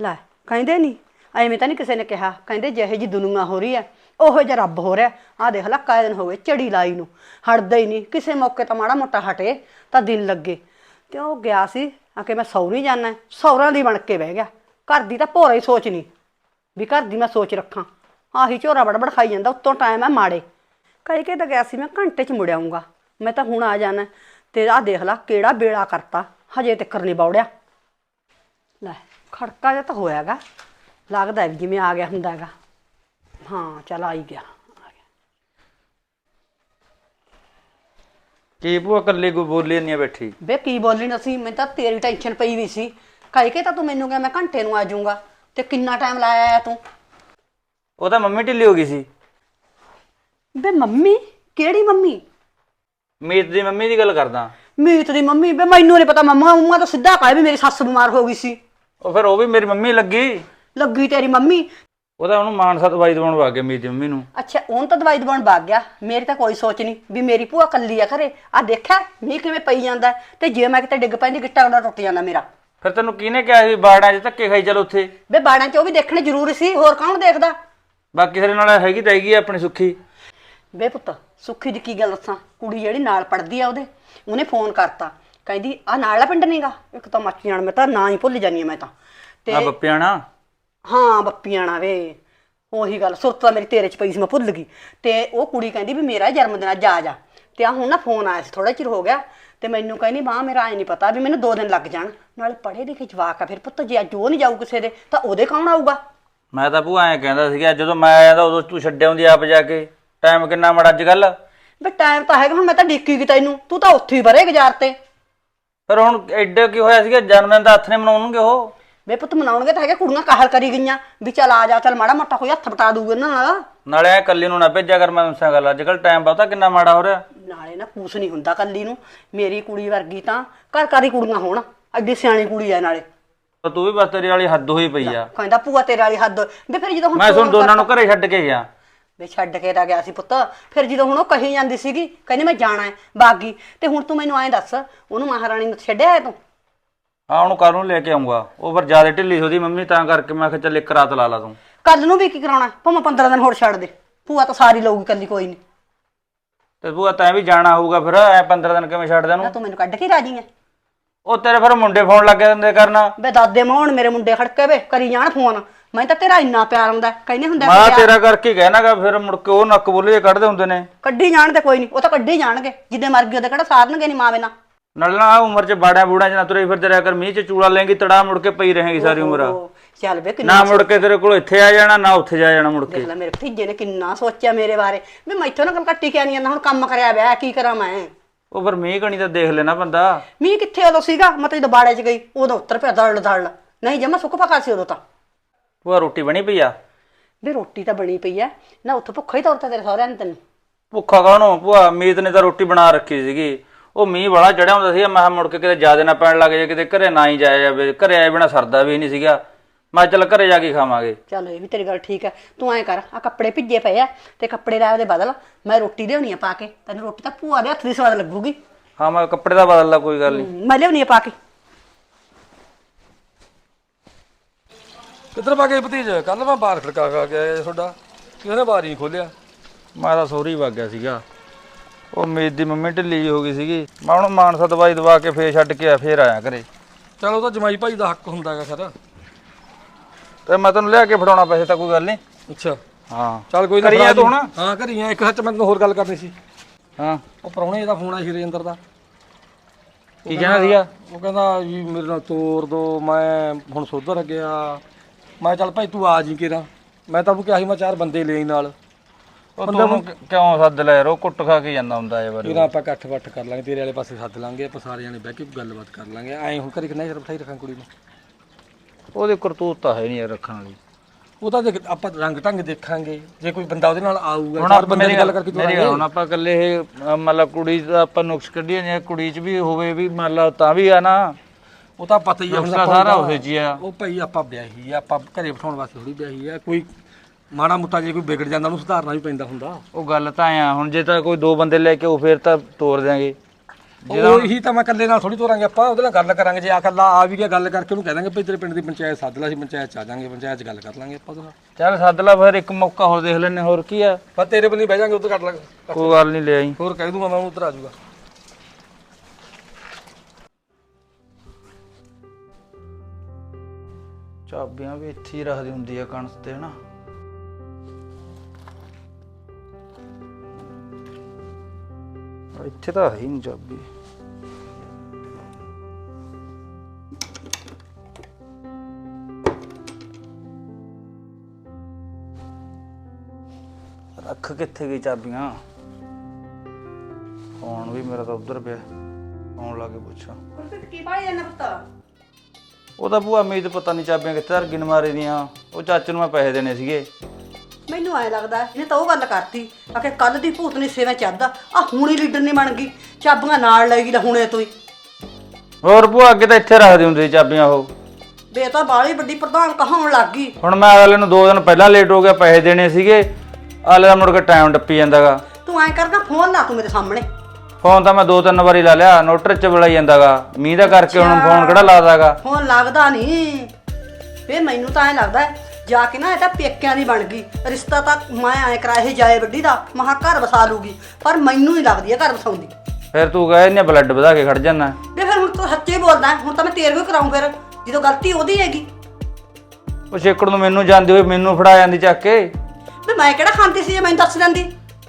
ਲੈ ਕਹਿੰਦੇ ਨਹੀਂ ਐਵੇਂ ਤਾਂ ਨਹੀਂ ਕਿਸੇ ਨੇ ਕਿਹਾ, ਕਹਿੰਦੇ ਜਿਹੇ ਜੀ ਦੁਨੀਆ ਹੋ ਰਹੀ ਹੈ ਉਹੋ ਜਿਹਾ ਰੱਬ ਹੋ ਰਿਹਾ। ਆਹ ਦੇਖ ਲਾ ਕਾਇ ਦਿਨ ਹੋ ਗਏ ਝੜੀ ਲਾਈ ਨੂੰ, ਹਟਦਾ ਹੀ ਨਹੀਂ। ਕਿਸੇ ਮੌਕੇ ਤਾਂ ਮਾੜਾ ਮੋਟਾ ਹਟੇ ਤਾਂ ਦਿਲ ਲੱਗੇ। ਤੇ ਉਹ ਗਿਆ ਸੀ ਆ ਕਿ ਮੈਂ ਸਹੁਰੀ ਜਾਣਾ, ਸਹੁਰਿਆਂ ਦੀ ਬਣ ਕੇ ਬਹਿ ਗਿਆ। ਘਰ ਦੀ ਤਾਂ ਭੋਰਾ ਹੀ ਸੋਚ ਨਹੀਂ ਵੀ ਘਰ ਦੀ ਮੈਂ ਸੋਚ ਰੱਖਾਂ। ਆਹੀ ਝੋਰਾ ਬੜਬੜ ਖਾਈ ਜਾਂਦਾ, ਉੱਤੋਂ ਟਾਈਮ ਹੈ ਮਾੜੇ। ਕਹਿ ਕੇ ਤਾਂ ਗਿਆ ਸੀ ਮੈਂ ਘੰਟੇ 'ਚ ਮੁੜ ਆਊਂਗਾ, ਮੈਂ ਤਾਂ ਹੁਣ ਆ ਜਾਣਾ। ਤੇ ਆਹ ਦੇਖ ਲਾ ਕਿਹੜਾ ਵੇਲਾ ਕਰਤਾ, ਹਜੇ ਤੱਕ ਨਹੀਂ ਬੌੜਿਆ। ਲੈ ਖੜਕਾ ਜਿਹਾ ਤਾਂ ਹੋਇਆ ਗਾ, ਲੱਗਦਾ ਵੀ ਜਿਵੇਂ ਆ ਗਿਆ ਹੁੰਦਾ ਹੈਗਾ। ਹਾਂ ਚੱਲ ਆ ਹੀ ਗਿਆ। ਕੀ ਭੂਆ ਇਕੱਲੀ ਕੋਈ ਬੋਲੀ ਨਹੀਂ ਬੈਠੀ? ਵੇ ਕੀ ਬੋਲੀ ਨਾ ਸੀ, ਮੈਨੂੰ ਤਾਂ ਤੇਰੀ ਟੈਨਸ਼ਨ ਪਈ ਵੀ ਸੀ। ਕਹਿ ਕੇ ਤਾਂ ਤੂੰ ਮੈਨੂੰ ਕਿਹਾ ਮੈਂ ਘੰਟੇ ਨੂੰ ਆ ਜਾਊਂਗਾ, ਤੇ ਕਿੰਨਾ ਟਾਈਮ ਲਾਇਆ ਆਇਆ ਤੂੰ? ਉਹ ਤਾਂ ਮੰਮੀ ਢਿੱਲੀ ਹੋ ਗਈ ਸੀ। ਵੇ ਮੰਮੀ? ਕਿਹੜੀ ਮੰਮੀ? ਮੀਤ ਦੀ ਮੰਮੀ ਦੀ ਗੱਲ ਕਰਦਾ। ਮੀਤ ਦੀ ਮੰਮੀ? ਵੇ ਮੈਨੂੰ ਨਹੀਂ ਪਤਾ, ਮੰਮਾ ਤਾਂ ਸਿੱਧਾ ਕਹੇ ਵੀ ਮੇਰੀ ਸੱਸ ਬਿਮਾਰ ਹੋ ਗਈ ਸੀ। ਉਹ ਫਿਰ ਉਹ ਵੀ ਮੇਰੀ ਮੰਮੀ ਲੱਗੀ ਤੇਰੀ ਮੰਮੀ? ਉਹਦਾ ਉਹਨੂੰ ਮਾਨਸਾ ਦਵਾਈ ਦਵਾਉਣ ਵਗ ਗਿਆ ਮੀਤ ਦੀ ਮੰਮੀ ਨੂੰ। ਅੱਛਾ ਉਹਨੂੰ ਤਾਂ ਦਵਾਈ ਦਵਾਉਣ ਵਗ ਗਿਆ। ਮੇਰੀ ਤਾਂ ਕੋਈ ਸੋਚ ਨਹੀਂ ਵੀ ਮੇਰੀ ਭੂਆ ਕੱਲੀ ਆ ਘਰੇ। ਆ ਦੇਖਿਆ ਮੀਂਹ ਕਿਵੇਂ ਪਈ ਜਾਂਦਾ, ਤੇ ਜੇ ਮੈਂ ਕਿਤੇ ਡਿੱਗ ਪੈਂਦੀ ਗਿੱਟਾ ਉਹਦਾ ਟੁੱਟ ਜਾਂਦਾ ਮੇਰਾ। ਫਿਰ ਤੈਨੂੰ ਕਿਹਨੇ ਕਿਹਾ ਸੀ ਬਾੜਾਂ 'ਚ ਧੱਕੇ ਖਾਈ ਚੱਲ ਉੱਥੇ? ਵੇ ਬਾੜਾਂ 'ਚ ਉਹ ਵੀ ਦੇਖਣੇ ਜ਼ਰੂਰੀ ਸੀ, ਹੋਰ ਕੌਣ ਦੇਖਦਾ? ਬਾਕੀ ਤੇਰੇ ਨਾਲ ਹੈਗੀ ਤਾਂ ਹੈਗੀ ਆ ਆਪਣੀ ਸੁੱਖੀ। ਵੇ ਪੁੱਤ ਸੁੱਖੀ ਦੀ ਕੀ ਗੱਲ ਦੱਸਾਂ, ਕੁੜੀ ਜਿਹੜੀ ਨਾਲ ਪੜਦੀ ਆ ਉਹਨੇ ਫੋਨ ਕਰਤਾ, ਕਹਿੰਦੀ ਆ ਨਾਲਾ ਪਿੰਡ ਨੀਗਾ। ਇੱਕ ਤਾਂ ਮੱਚ ਜਾਣ, ਮੈਂ ਤਾਂ ਨਾਂ ਹੀ ਭੁੱਲ ਜਾਨੀ ਆ ਮੈਂ ਤਾਂ। ਤੇ ਬੱਪਿਆਣਾ? ਹਾਂ ਬੱਪੀਆਣਾ। ਵੇ ਉਹੀ ਗੱਲ, ਸੁਰਤ ਤਾਂ ਮੇਰੀ ਤੇਰੇ 'ਚ ਪਈ ਸੀ, ਮੈਂ ਭੁੱਲ ਗਈ। ਤੇ ਉਹ ਕੁੜੀ ਕਹਿੰਦੀ ਵੀ ਮੇਰਾ ਜਨਮ ਦਿਨ ਅੱਜ ਆ ਜਾ। ਤੇ ਆ ਹੁਣ ਨਾ ਫੋਨ ਆਇਆ ਸੀ, ਥੋੜਾ ਚਿਰ ਹੋ ਗਿਆ। ਤੇ ਮੈਨੂੰ ਕਹਿੰਦੀ ਮਾਂ ਮੇਰਾ ਐ ਨਹੀਂ ਪਤਾ ਵੀ ਮੈਨੂੰ 2 ਦਿਨ ਲੱਗ ਜਾਣ। ਨਾਲੇ ਪੜ੍ਹੇ ਲਿਖੇ ਜਵਾਕ ਆ, ਫਿਰ ਪੁੱਤ ਜੇ ਅੱਜ ਉਹ ਨਹੀਂ ਜਾਊ ਕਿਸੇ ਦੇ ਤਾਂ ਉਹਦੇ ਕੌਣ ਆਊਗਾ? ਮੈਂ ਤਾਂ ਭੂਆ ਐਂ ਕਹਿੰਦਾ ਸੀਗਾ ਜਦੋਂ ਮੈਂ ਆਇਆ ਤਾਂ ਉਦੋਂ ਤੂੰ ਛੱਡ ਆਉਂਦੀ ਆਪ ਜਾ ਕੇ। ਟਾਈਮ ਕਿੰਨਾ ਮਾੜਾ ਅੱਜ ਕੱਲ। ਵੀ ਟਾਈਮ ਤਾਂ ਹੈਗਾ, ਹੁਣ ਮੈਂ ਤਾਂ ਡੀਕੀ ਗਈ ਤੈਨੂੰ, ਤੂੰ ਤਾਂ ਉੱਥੇ ਹੀ ਬਰੇ ਗੁਜ਼ਾਰ ਤੇ। ਫਿਰ ਹੁਣ ਐਡੇ ਕੀ ਹੋਇਆ ਸੀਗਾ, ਜਨਮ ਦਿਨ ਦਾ ਹੱਥ ਨੇ ਮਨਾਉਣਗੇ ਉਹ। ਵੇ ਪੁੱਤ ਮਨਾਉਣਗੇ ਤਾਂ ਹੈਗੇ, ਕੁੜੀਆਂ ਕਾਹਲ ਕਰੀ ਗਈਆਂ ਵੀ ਚੱਲ ਆ ਜਾ, ਚੱਲ ਮਾੜਾ ਮੋਟਾ ਕੋਈ ਹੱਥ ਪਟਾ ਦੂਗੇ ਇਹਨਾਂ ਨਾਲ। ਨਾਲੇ ਐ ਕੱਲੀ ਨੂੰ ਨਾ ਭੇਜਿਆ ਕਰ, ਮੈਂ ਦੱਸਾਂ ਗੱਲ ਅੱਜ ਕੱਲ ਟਾਈਮ ਪਤਾ ਕਿੰਨਾ ਮਾੜਾ ਹੋ ਰਿਹਾ। ਨਾਲੇ ਨਾ ਕੁਛ ਨਹੀਂ ਹੁੰਦਾ ਕੱਲੀ ਨੂੰ, ਮੇਰੀ ਕੁੜੀ ਵਰਗੀ ਤਾਂ ਘਰ ਘਰ ਹੀ ਕੁੜੀਆਂ ਹੋਣ, ਐਡੀ ਸਿਆਣੀ ਕੁੜੀ ਆ ਨਾਲੇ। ਤੂੰ ਵੀ ਬਸ ਤੇਰੀ ਵਾਲੀ ਹੱਦ ਹੋਈ ਪਈ ਆ। ਕਹਿੰਦਾ ਭੂਆ ਤੇਰੇ ਵਾਲੀ ਹੱਦ। ਵੇ ਫਿਰ ਜਦੋਂ ਹੁਣ ਮੈਂ ਤੁਹਾਨੂੰ ਦੋਨਾਂ ਨੂੰ ਘਰੇ ਛੱਡ ਕੇ ਗਿਆ। ਵੇ ਛੱਡ ਕੇ ਤਾਂ ਗਿਆ ਸੀ ਪੁੱਤ, ਫਿਰ ਜਦੋਂ ਹੁਣ ਉਹ ਕਹੀ ਜਾਂਦੀ ਸੀਗੀ ਕਹਿੰਦੀ ਮੈਂ ਜਾਣਾ ਹੈ ਬਾਗੀ, ਤੇ ਹੁਣ ਤੂੰ ਮੈਨੂੰ ਐਂ ਦੱਸ ਉਹਨੂੰ ਮਹਾਰਾਣੀ ਨੂੰ ਛੱਡਿਆ ਤੂੰ? ਹਾਂ ਉਹਨੂੰ ਕੱਲ ਨੂੰ ਲੈ ਕੇ ਆਉਂਗਾ, ਉਹ ਫਿਰ ਜ਼ਿਆਦਾ ਢਿੱਲੀ ਸੀ ਉਹਦੀ ਮੰਮੀ, ਤਾਂ ਕਰਕੇ ਮੈਂ ਕਿਹਾ ਚੱਲ ਇੱਕ ਰਾਤ ਲਾ ਲਾ ਤੂੰ। ਕੱਲ ਨੂੰ ਵੀ ਕੀ ਕਰਾਉਣਾ, ਭਾਵੇਂ 15 ਦਿਨ ਹੋਰ ਛੱਡ ਦੇ, ਭੂਆ ਤਾਂ ਸਾਰੀ ਲਊਗੀ ਕੱਲੀ, ਕੋਈ ਨਹੀਂ। ਤੇ ਭੂਆ ਤੈਂ ਵੀ ਜਾਣਾ ਹੋਊਗਾ, ਫਿਰ ਐ 15 ਦਿਨ ਕਿਵੇਂ ਛੱਡ ਦੇਨੂੰ? ਤੂੰ ਮੈਨੂੰ ਕੱਢ ਕੇ ਰਾਜੀ ਹੈ? ਉਹ ਤੇਰੇ ਫਿਰ ਮੁੰਡੇ ਫੋਨ ਲੱਗੇ ਦਿੰਦੇ ਕਰਨਾ। ਵੇ ਦਾਦੇ ਮੋਹਣ ਮੇਰੇ ਮੁੰਡੇ ਖੜਕੇ ਵੇ ਕਰੀ ਜਾਣ ਫੋਨ, ਮੈਂ ਤਾਂ ਤੇਰਾ ਇੰਨਾ ਪਿਆਰ ਹੁੰਦਾ, ਕਹਿੰਦੇ ਹੁੰਦਾ ਮੈਂ ਤੇਰਾ ਕਰਕੇ ਕਹਿਣਾਗਾ, ਫਿਰ ਮੁੜ ਕੇ ਉਹ ਨੱਕ ਬੋਲੇ ਕੱਢਦੇ ਹੁੰਦੇ ਨੇ। ਕੱਢੀ ਜਾਣ ਤੇ ਕੋਈ ਨਹੀਂ, ਉਹ ਤਾਂ ਕੱਢੀ ਜਾਣਗੇ, ਜਿੱਦੇ ਮਰ ਗਏ ਉਹਦੇ ਕਿਹੜਾ ਸਾਰਨਗੇ ਨਹੀਂ ਮਾਵੇ ਨਾ। ਨਾਲ ਨਾ ਉਮਰ ਚ ਬਾੜਿਆਂ ਬੂੜਿਆਂ ਚ ਨਾ ਤੁਰੇ ਫਿਰਦੇ ਰਿਹਾ ਕਰ, ਮੀਂਹ ਚ ਚੂੜਾ ਲੈਂਗੀ ਤੜਾ ਮੁੜ ਕੇ ਪਈ ਰਹੇਗੀ ਸਾਰੀ ਉਮਰ। ਚੱਲ ਵੇ ਨਾ ਮੁੜ ਕੇ ਤੇਰੇ ਕੋਲ ਇੱਥੇ ਆ ਜਾਣਾ ਨਾ ਉੱਥੇ ਜਾ ਜਾਣਾ ਮੁੜ ਕੇ। ਦੇਖ ਲੈ ਮੇਰੇ ਭਤੀਜੇ ਨੇ ਕਿੰਨਾ ਸੋਚਿਆ ਮੇਰੇ ਬਾਰੇ, ਵੀ ਮੈਥੋਂ ਨਾ ਗੱਲ ਕੱਟੀ ਕਿਆ ਨਹੀਂ ਜਾਂਦਾ, ਹੁਣ ਕੰਮ ਕਰਿਆ ਵਿਆਹ ਕੀ ਕਰਾਂ ਮੈਂ। ਉਹ ਫਿਰ ਮੀਂਹ ਕਣੀ ਤਾਂ ਦੇਖ ਲੈਣਾ ਬੰਦਾ। ਮੀਂਹ ਕਿੱਥੇ ਉਦੋਂ ਸੀਗਾ, ਮੈਂ ਤਾਂ ਜਦੋਂ ਬਾੜੇ 'ਚ ਗਈ ਉਦੋਂ ਉੱਤਰ ਪਿਆ ਦੜ ਦੜ, ਨਹੀਂ ਜਮਾ ਸੁੱਕ ਪਕਾ ਸੀ ਉਦੋਂ ਤਾਂ। ਭੂਆ ਰੋਟੀ ਬਣੀ ਪਈ ਆ? ਵੀ ਰੋਟੀ ਤਾਂ ਬਣੀ ਪਈ ਐ ਨਾ, ਉੱਥੋਂ ਭੁੱਖਾ ਹੀ ਤੋਰਤਾ ਤੇਰੇ ਸਹੁਰਿਆਂ ਨੇ ਤੈਨੂੰ। ਭੁੱਖਾ ਕਾਹਨੂੰ ਭੂਆ, ਮੀਤ ਨੇ ਤਾਂ ਰੋਟੀ ਬਣਾ ਰੱਖੀ ਸੀਗੀ। ਉਹ ਮੀਂਹ ਬੜਾ ਚੜਿਆ ਹੁੰਦਾ ਸੀ, ਮੈਂ ਕਿਹਾ ਮੁੜ ਕੇ ਕਿਤੇ ਜ਼ਿਆਦਾ ਨਾ ਪੈਣ ਲੱਗ ਜਾਏ, ਕਿਤੇ ਘਰੇ ਨਾ ਹੀ ਜਾਇਆ ਜਾਵੇ। ਘਰੇ ਆਏ ਬਿਨਾ ਸਰਦਾ ਵੀ ਨਹੀਂ ਸੀਗਾ, ਮੈਂ ਚੱਲ ਘਰੇ ਜਾ ਕੇ ਖਾਵਾਂਗੇ। ਚੱਲ ਇਹ ਵੀ ਤੇਰੀ ਗੱਲ ਠੀਕ ਐ, ਤੂੰ ਐਂ ਕਰ ਆ ਕੱਪੜੇ ਭਿੱਜੇ ਪਏ ਆ ਤੇ ਕੱਪੜੇ ਲੈ ਉਹਦੇ ਬਦਲ, ਮੈਂ ਰੋਟੀ ਲਿਆਉਣੀ ਆ ਪਾ ਕੇ, ਤੈਨੂੰ ਰੋਟੀ ਤਾਂ ਭੂਆ ਦੇ ਹੱਥ ਦੀ ਸਵਾਦ ਲੱਗੂਗੀ। ਹਾਂ ਮੈਂ ਕੱਪੜੇ ਦਾ ਬਦਲ ਲਾ, ਕੋਈ ਗੱਲ ਨਹੀਂ। ਮੈਂ ਲਿਆਉਣੀ ਆ ਪਾ ਕੇ। ਕਿੱਧਰ ਪਾ ਕੇ ਭਤੀਜ? ਕੱਲ ਮੈਂ ਬਾਹਰ ਖੜਕਾ ਕੇ ਆਇਆ ਤੁਹਾਡਾ, ਕਿਹਨੇ ਬਾਹਰ ਹੀ ਖੋਲਿਆ? ਮੈਂ ਤਾਂ ਸਹੁਰੀ ਵਗ ਗਿਆ ਸੀਗਾ, ਉਹ ਮੀਤ ਦੀ ਮੰਮੀ ਢਿੱਲੀ ਜਿਹੀ ਹੋ ਗਈ ਸੀਗੀ। ਮੈਂ ਉਹਨੂੰ ਮਾਨਸਾ ਦਵਾਈ ਦਵਾ ਕੇ ਫੇਰ ਛੱਡ ਕੇ ਫੇਰ ਆਇਆ ਘਰੇ। ਚਲ ਉਹ ਤਾਂ ਜਮਾਈ ਭਾਈ ਦਾ ਹੱਕ ਹੁੰਦਾ ਹੈਗਾ ਸਰ। ਤੇ ਮੈਂ ਤੈਨੂੰ ਲਿਆ ਕੇ ਫੜਾਉਣਾ ਪੈਸੇ ਤਾਂ ਕੋਈ ਗੱਲ ਨਹੀਂ। ਅੱਛਾ ਹਾਂ ਚੱਲ ਕੋਈ ਕਰੀ ਆ ਤੂੰ ਹੁਣ? ਹਾਂ ਘਰੀ ਆ। ਇੱਕ ਸੱਚ ਮੈਂ ਤੈਨੂੰ ਹੋਰ ਗੱਲ ਕਰਨੀ ਸੀ। ਹਾਂ ਉਹ ਪ੍ਰਾਹੁਣੇ ਦਾ ਫੋਨ ਆਇਆ ਸੀ ਰਜਿੰਦਰ ਦਾ। ਕੀ ਕਹਿਣਾ ਸੀਗਾ? ਉਹ ਕਹਿੰਦਾ ਵੀ ਮੇਰੇ ਨਾਲ ਤੋਰ ਦੋ, ਮੈਂ ਹੁਣ ਸੁਧਰ ਗਿਆ। ਮੈਂ ਚੱਲ ਭਾਈ ਤੂੰ ਆ ਜੀ ਕੇਰਾ, ਮੈਂ ਤਾਂ ਉਹ ਕਿਹਾ ਸੀ ਮੈਂ 4 ਬੰਦੇ ਲੈ ਨਾਲ। ਉਹ ਤੂੰ ਕਿਉਂ ਸੱਦ ਲੈ ਯਾਰ, ਉਹ ਕੁੱਟ ਖਾ ਕੇ ਜਾਂਦਾ ਹੁੰਦਾ ਇਹ ਵਾਰੀ। ਫਿਰ ਆਪਾਂ ਇਕੱਠ ਵੱਠ ਕਰ ਲਾਂਗੇ, ਤੇਰੇ ਵਾਲੇ ਪਾਸੇ ਸੱਦ ਲਾਂਗੇ, ਆਪਾਂ ਸਾਰੇ ਜਾਣੇ ਬਹਿ ਕੇ ਗੱਲਬਾਤ ਕਰ ਲਾਂਗੇ। ਐਂ ਹੁਣ ਘਰੇ ਕਿੰਨਾ ਚਿਰ ਬਿਠਾਈ ਰੱਖਾਂ ਕੁੜੀ ਨੂੰ? ਉਹਦੀ ਕਰਤੂਤ ਤਾਂ ਹੈ ਨਹੀਂ ਯਾਰ ਰੱਖਣ ਵਾਲੀ। ਉਹ ਤਾਂ ਦੇਖ ਆਪਾਂ ਰੰਗ ਢੰਗ ਦੇਖਾਂਗੇ, ਜੇ ਕੋਈ ਬੰਦਾ ਉਹਦੇ ਨਾਲ ਆਊਗਾ ਹੁਣ ਚਾਰ ਬੰਦੇ ਦੀ ਗੱਲ ਕਰਕੇ ਮੇਰੀ ਗੱਲ ਹੁਣ ਆਪਾਂ ਇਕੱਲੇ ਇਹ ਮਤਲਬ ਕੁੜੀ ਦਾ ਆਪਾਂ ਨੁਕਸ ਕੱਢੀਏ, ਜੇ ਕੁੜੀ 'ਚ ਵੀ ਹੋਵੇ ਵੀ ਮੰਨ ਲਾ ਤਾਂ ਵੀ ਆ ਨਾ, ਉਹ ਤਾਂ ਪਤਾ ਹੀ ਆ ਹੁਣ ਸਾਰਾ ਉਹਦੇ 'ਚ ਹੀ ਆ। ਉਹ ਭਾਈ ਆਪਾਂ ਵਿਆਹੀ ਆ, ਆਪਾਂ ਘਰੇ ਬਿਠਾਉਣ ਵਾਸਤੇ ਥੋੜੀ ਵਿਆਹੀ ਆ। ਕੋਈ ਮਾੜਾ ਮੋਟਾ ਜੇ ਕੋਈ ਵਿਗੜ ਜਾਂਦਾ ਉਹਨੂੰ ਸੁਧਾਰਨਾ ਵੀ ਪੈਂਦਾ ਹੁੰਦਾ। ਉਹ ਗੱਲ ਤਾਂ ਆ ਹੁਣ ਜੇ ਤਾਂ ਕੋਈ 2 ਬੰਦੇ ਲੈ ਕੇ ਉਹ ਫੇਰ ਤਾਂ ਤੋਰ ਦਿਆਂਗੇ। ਉਹੀ ਤਾਂ ਮੈਂ ਇਕੱਲੇ ਨਾਲ ਥੋੜੀ ਤੋਰਾਂਗੇ ਆਪਾਂ, ਉਹਦੇ ਨਾਲ ਗੱਲ ਕਰਾਂਗੇ। ਜੇ ਆ ਇਕੱਲਾ ਆ ਵੀ ਗਿਆ ਗੱਲ ਕਰਕੇ ਉਹਨੂੰ ਕਹਿ ਦਾਂਗੇ ਭਈ ਤੇਰੇ ਪਿੰਡ ਦੀ ਪੰਚਾਇਤ ਸੱਦ ਲਾ, ਅਸੀਂ ਪੰਚਾਇਤ ਚ ਆ ਜਾਾਂਗੇ, ਪੰਚਾਇਤ ਚ ਗੱਲ ਕਰ ਲਾਂਗੇ ਆਪਾਂ ਉਹਦੇ ਨਾਲ। ਚੱਲ ਸੱਦ ਲਾ ਫਿਰ, ਇੱਕ ਮੌਕਾ ਹੋਰ ਦੇਖ ਲੈਨੇ, ਹੋਰ ਕੀ ਆ। ਪਰ ਤੇਰੇ ਬੰਨੀ ਬਹਿ ਜਾਾਂਗੇ, ਉੱਧਰ ਕੱਟ ਲਾਂਗੇ। ਕੋਈ ਗੱਲ ਨਹੀਂ, ਲੈ ਆਈ। ਹੋਰ ਕਹਿ ਦੂੰਗਾ ਮੈਂ, ਉਹਨੂੰ ਉੱਧਰ ਆ ਜਾਊਗਾ। ਚਾਬੀਆਂ ਵੀ ਇੱਥੇ ਹੀ ਰੱਖਦੀ ਹੁੰਦੀ ਆ ਕਣਸ ਤੇ ਹਨਾ। ਇੱਥੇ ਤਾਂ ਹੈ ਹੀ ਨਹੀਂ ਚਾਬੀ। ਰੱਖ ਕਿੱਥੇ ਗਈ ਚਾਬੀਆਂ? ਫੋਨ ਵੀ ਮੇਰਾ ਤਾਂ ਉੱਧਰ ਪਿਆ, ਫੋਨ ਲਾ ਕੇ ਪੁੱਛਾਂ। ਕੀ ਭਾਈ ਇਹਨਾਂ ਪੁੱਤ? ਉਹ ਤਾਂ ਭੂਆ ਮੇਰੀ ਤਾਂ ਪਤਾ ਨਹੀਂ ਚਾਬੀਆਂ ਕਿੱਥੇ ਧਰ ਗਈ ਮਾਰੇ ਦੀਆਂ। ਉਹ ਚਾਚੇ ਨੂੰ ਮੈਂ ਪੈਸੇ ਦੇਣੇ ਸੀਗੇ। ਮੈਨੂੰ ਐ ਲੱਗਦਾ ਇਹਨੇ ਤਾਂ ਉਹ ਗੱਲ ਕਰਤੀ ਆ ਕਿ ਕੱਲ ਦੀ ਭੂਤਨੀ ਸੇਵਾ ਚੱਦਾ ਆ, ਹੁਣੀ ਲੀਡਰ ਨਹੀਂ ਬਣ ਗਈ, ਚਾਬੀਆਂ ਨਾਲ ਲੈ ਗਈ ਲੈ ਹੁਣੇ ਤੋਂ ਹੀ। ਹੋਰ ਭੂਆ ਅੱਗੇ ਤਾਂ ਇੱਥੇ ਰੱਖਦੀ ਹੁੰਦੀ ਸੀ ਚਾਬੀਆਂ ਉਹ। ਬੇ ਤਾਂ ਬਾਲੀ ਵੱਡੀ ਪ੍ਰਧਾਨ ਕਹਾਉਣ ਲੱਗ ਗਈ। ਹੁਣ ਮੈਂ ਅਗਲੇ ਨੂੰ 2 ਦਿਨ ਪਹਿਲਾਂ ਲੇਟ ਹੋ ਗਿਆ, ਪੈਸੇ ਦੇਣੇ ਸੀਗੇ। ਅਗਲੇ ਦਾ ਮੁੜ ਕੇ ਟਾਈਮ ਡੱਪੀ ਜਾਂਦਾਗਾ। ਤੂੰ ਐਂ ਕਰਦਾ ਫੋਨ ਲਾ ਤੂੰ ਮੇਰੇ ਸਾਹਮਣੇ। ਫੋਨ ਤਾਂ ਮੈਂ 2-3 ਵਾਰੀ ਲਾ ਲਿਆ, ਨੋਟਰ ਚ ਬੁਲਾਈ ਜਾਂਦਾਗਾ। ਮੀਂਹ ਦਾ ਕਰਕੇ ਹੁਣ ਫੋਨ ਕਿਹੜਾ ਲਾਦਾਗਾ। ਫੋਨ ਲੱਗਦਾ ਨਹੀਂ। ਫੇ ਮੈਨੂੰ ਤਾਂ ਐਂ ਲੱਗਦਾ ਜਾ ਕੇ ਨਾ ਇਹ ਤਾਂ ਪੇਕਿਆਂ ਦੀ ਬਣ ਗਈ। ਰਿਸ਼ਤਾ ਤਾਂ ਮੈਂ ਐਂ ਕਰਾਇਆ ਇਹ ਜਾਏ ਵੱਡੀ ਦਾ, ਮਹਾ ਘਰ ਵਸਾ ਲੂਗੀ, ਪਰ ਮੈਨੂੰ ਨਹੀਂ ਲੱਗਦੀ ਇਹ ਘਰ ਵਸਾਉਂਦੀ। ਫਿਰ ਤੂੰ ਕਹੇ ਇਹਨੇ ਬਲੱਡ ਵਧਾ ਕੇ ਖੜ ਜਾਣਾ। ਵੇ ਫਿਰ ਹੁਣ ਤੂੰ ਸੱਚੇ ਬੋਲਦਾ, ਹੁਣ ਤਾਂ ਮੈਂ ਤੇਰੇ ਵੀ ਕਰਾਉਂ ਫਿਰ, ਜਦੋਂ ਗਲਤੀ ਉਹਦੀ ਹੈਗੀ। ਉਹ ਛੇਕੜ ਨੂੰ ਮੈਨੂੰ ਜਾਂਦੀ ਹੋਈ ਮੈਨੂੰ ਫੜਾ ਜਾਂਦੀ ਚੱਕ ਕੇ। ਵੇ ਮੈਂ ਕਿਹੜਾ ਖਾਂਦੀ ਸੀ, ਜੇ ਮੈਨੂੰ ਦੱਸ ਦਿੰਦੀ।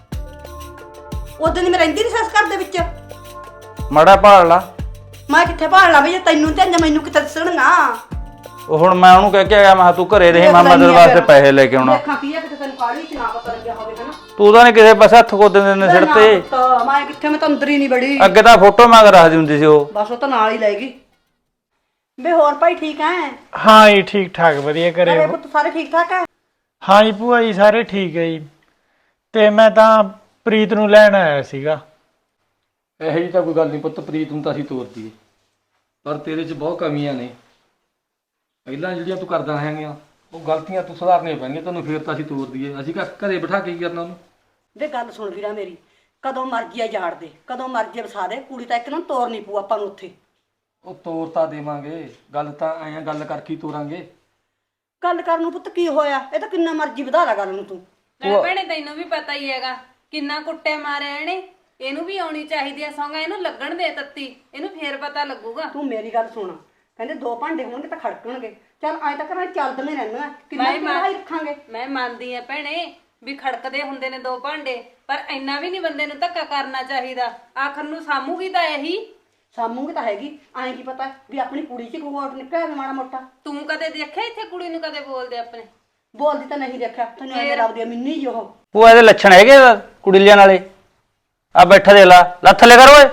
ਉਦੋਂ ਦੀ ਮੈਂ ਰਹਿੰਦੀ ਨਹੀਂ ਸੱਸ ਘਰ ਦੇ ਵਿੱਚ। ਮਾੜਾ ਭਾਲ ਲਾ। ਮੈਂ ਕਿੱਥੇ ਭਾਲ ਲਾ ਵੀ, ਜੇ ਤੈਨੂੰ ਤੇ ਮੈਨੂੰ ਕਿੱਥੇ ਦੱਸਣਗਾ। ਉਹ ਹੁਣ ਮੈਂ ਉਹਨੂੰ ਕਹਿ ਕੇ ਆਇਆ, ਮੈਂ ਤੂੰ ਘਰੇ ਰਹੀ, ਮੈਂ ਮਦਦ ਵਾਸਤੇ ਪੈਸੇ ਲੈ ਕੇ ਆਉਣਾ। ਦੇਖਾਂ ਕੀ ਹੈ ਕਿ ਤੈਨੂੰ ਕਾਲੀ ਚ ਨਾ ਪਤਾ ਲੱਗਿਆ ਹੋਵੇ ਹਨਾ। ਤੂੰ ਤਾਂ ਨਹੀਂ ਕਿਸੇ ਪਾਸੇ ਹੱਥ ਕੋ ਦਿੰਦੇ ਨੇ ਸਿਰ ਤੇ। ਮੈਂ ਕਿੱਥੇ, ਮੈਂ ਤਾਂ ਅੰਦਰ ਹੀ ਨਹੀਂ ਬੜੀ। ਅੱਗੇ ਤਾਂ ਫੋਟੋ ਮੰਗ ਰੱਖਦੀ ਹੁੰਦੀ ਸੀ ਉਹ। ਬਸ ਉਹ ਤਾਂ ਨਾਲ ਹੀ ਲੈ ਗਈ। ਵੇ ਹੋਰ ਭਾਈ ਠੀਕ ਹੈ? ਹਾਂ ਜੀ ਠੀਕ ਠਾਕ ਵਧੀਆ ਘਰੇ ਘਰੇ ਪੁੱਤ ਸਾਰੇ ਠੀਕ ਠਾਕ ਹੈ? ਹਾਂ ਜੀ ਭੂਆ ਜੀ ਸਾਰੇ ਠੀਕ ਹੈ ਜੀ। ਤੇ ਮੈਂ ਤਾਂ ਪ੍ਰੀਤ ਨੂੰ ਲੈਣ ਆਇਆ ਸੀਗਾ। ਇਹੋ ਜਿਹੀ ਤਾਂ ਕੋਈ ਗੱਲ ਨਹੀਂ ਪੁੱਤ, ਪ੍ਰੀਤ ਨੂੰ ਤਾਂ ਅਸੀਂ ਤੋਰ ਦਈਏ, ਪਰ ਤੇਰੇ 'ਚ ਬਹੁਤ ਕਮੀਆਂ ਨੇ। ਪਹਿਲਾਂ ਜਿਹੜੀਆਂ ਤੂੰ ਕਰਦਾ ਹੈਗੀਆਂ ਉਹ ਗਲਤੀਆਂ ਤੂੰ ਸੁਧਾਰਨੀਆਂ ਪੈਣਗੀਆਂ ਤੈਨੂੰ, ਫੇਰ ਤਾਂ ਅਸੀਂ ਤੋਰ ਦਈਏ। ਅਸੀਂ ਘਰੇ ਬਿਠਾ ਕੇ ਕੀ ਕਰਨਾ ਉਹਨੂੰ? ਵੇ ਗੱਲ ਸੁਣ ਵੀਰਾ ਮੇਰੀ, ਕਦੋਂ ਮਰਜੀ ਆ ਜਾੜ ਦੇ, ਕਦੋਂ ਮਰਜੀ ਵਸਾ ਦੇ, ਕੁੜੀ ਤਾਂ ਇੱਕ ਨੂੰ ਤੋਰ ਨਹੀਂ ਪਊ ਆਪਾਂ ਨੂੰ ਉੱਥੇ। ਉਹ ਤੋਰ ਤਾਂ ਦੇਵਾਂਗੇ, ਗੱਲ ਤਾਂ ਐਂ ਗੱਲ ਕਰਕੇ ਹੀ ਤੋਰਾਂਗੇ। ਗੱਲ ਕਰਨ ਨੂੰ ਪੁੱਤ ਕੀ ਹੋਇਆ? ਇਹ ਤਾਂ ਕਿੰਨਾ ਮਰਜੀ ਵਧਾ ਲਾ ਗੱਲ ਨੂੰ ਤੂੰ। ਭੈਣੇ ਤੈਨੂੰ ਵੀ ਪਤਾ ਹੀ ਹੈਗਾ ਕਿੰਨਾ ਕੁੱਟੇ ਮਾਰਿਆ ਇਹਨੇ। ਇਹਨੂੰ ਵੀ ਆਉਣੀ ਚਾਹੀਦੀ ਆ ਸੌਂਗਾ, ਇਹਨੂੰ ਲੱਗਣ ਦੇ ਤੱਤੀ, ਇਹਨੂੰ ਫੇਰ ਪਤਾ ਲੱਗੂਗਾ। ਤੂੰ ਮੇਰੀ ਗੱਲ ਸੁਣ, ਕਹਿੰਦੇ 2 ਭਾਂਡੇ ਹੋਣਗੇ ਤਾਂ ਖੜਕਣਗੇ। ਚੱਲ ਐਂ ਤਾਂ ਕਰਾਂ ਚੱਲਦੇ ਰਹਿਣਾ, ਕਿੰਨਾ ਲੜਾਈ ਰੱਖਾਂਗੇ। ਮੈਂ ਮੰਨਦੀ ਆ ਭੈਣੇ ਵੀ ਖੜਕਦੇ ਹੁੰਦੇ ਨੇ 2 ਭਾਂਡੇ, ਪਰ ਇੰਨਾ ਵੀ ਨਹੀਂ ਬੰਦੇ ਨੂੰ ਧੱਕਾ ਕਰਨਾ ਚਾਹੀਦਾ। ਆਖਰ ਨੂੰ ਸਾਮੂਗੀ ਤਾਂ ਇਹੀ। ਸਾਮੂਗੀ ਤਾਂ ਹੈਗੀ, ਐਂ ਕੀ ਪਤਾ ਵੀ ਆਪਣੀ ਕੁੜੀ 'ਚ ਕੋਈ ਔਟ ਨਿਕਲਿਆ ਮਾੜਾ ਮੋਟਾ। ਤੂੰ ਕਦੇ ਦੇਖਿਆ ਇੱਥੇ ਕੁੜੀ ਨੂੰ ਕਦੇ ਬੋਲਦੇ ਆਪਣੇ? ਬੋਲਦੀ ਤਾਂ ਨਹੀਂ ਦੇਖਿਆ, ਤੈਨੂੰ ਐਵੇਂ ਲੱਗਦੀ ਆ ਮਿੰਨੀ ਜੀ ਉਹ। ਉਹ ਇਹਦੇ ਲੱਛਣ ਹੈਗੇ ਕੁੜੀ ਲੈਣ ਵਾਲੇ। ਆ ਬੈਠਾ ਦੇ ਲਾ, ਲੱਥ ਲੈ ਕਰ ਓਏ।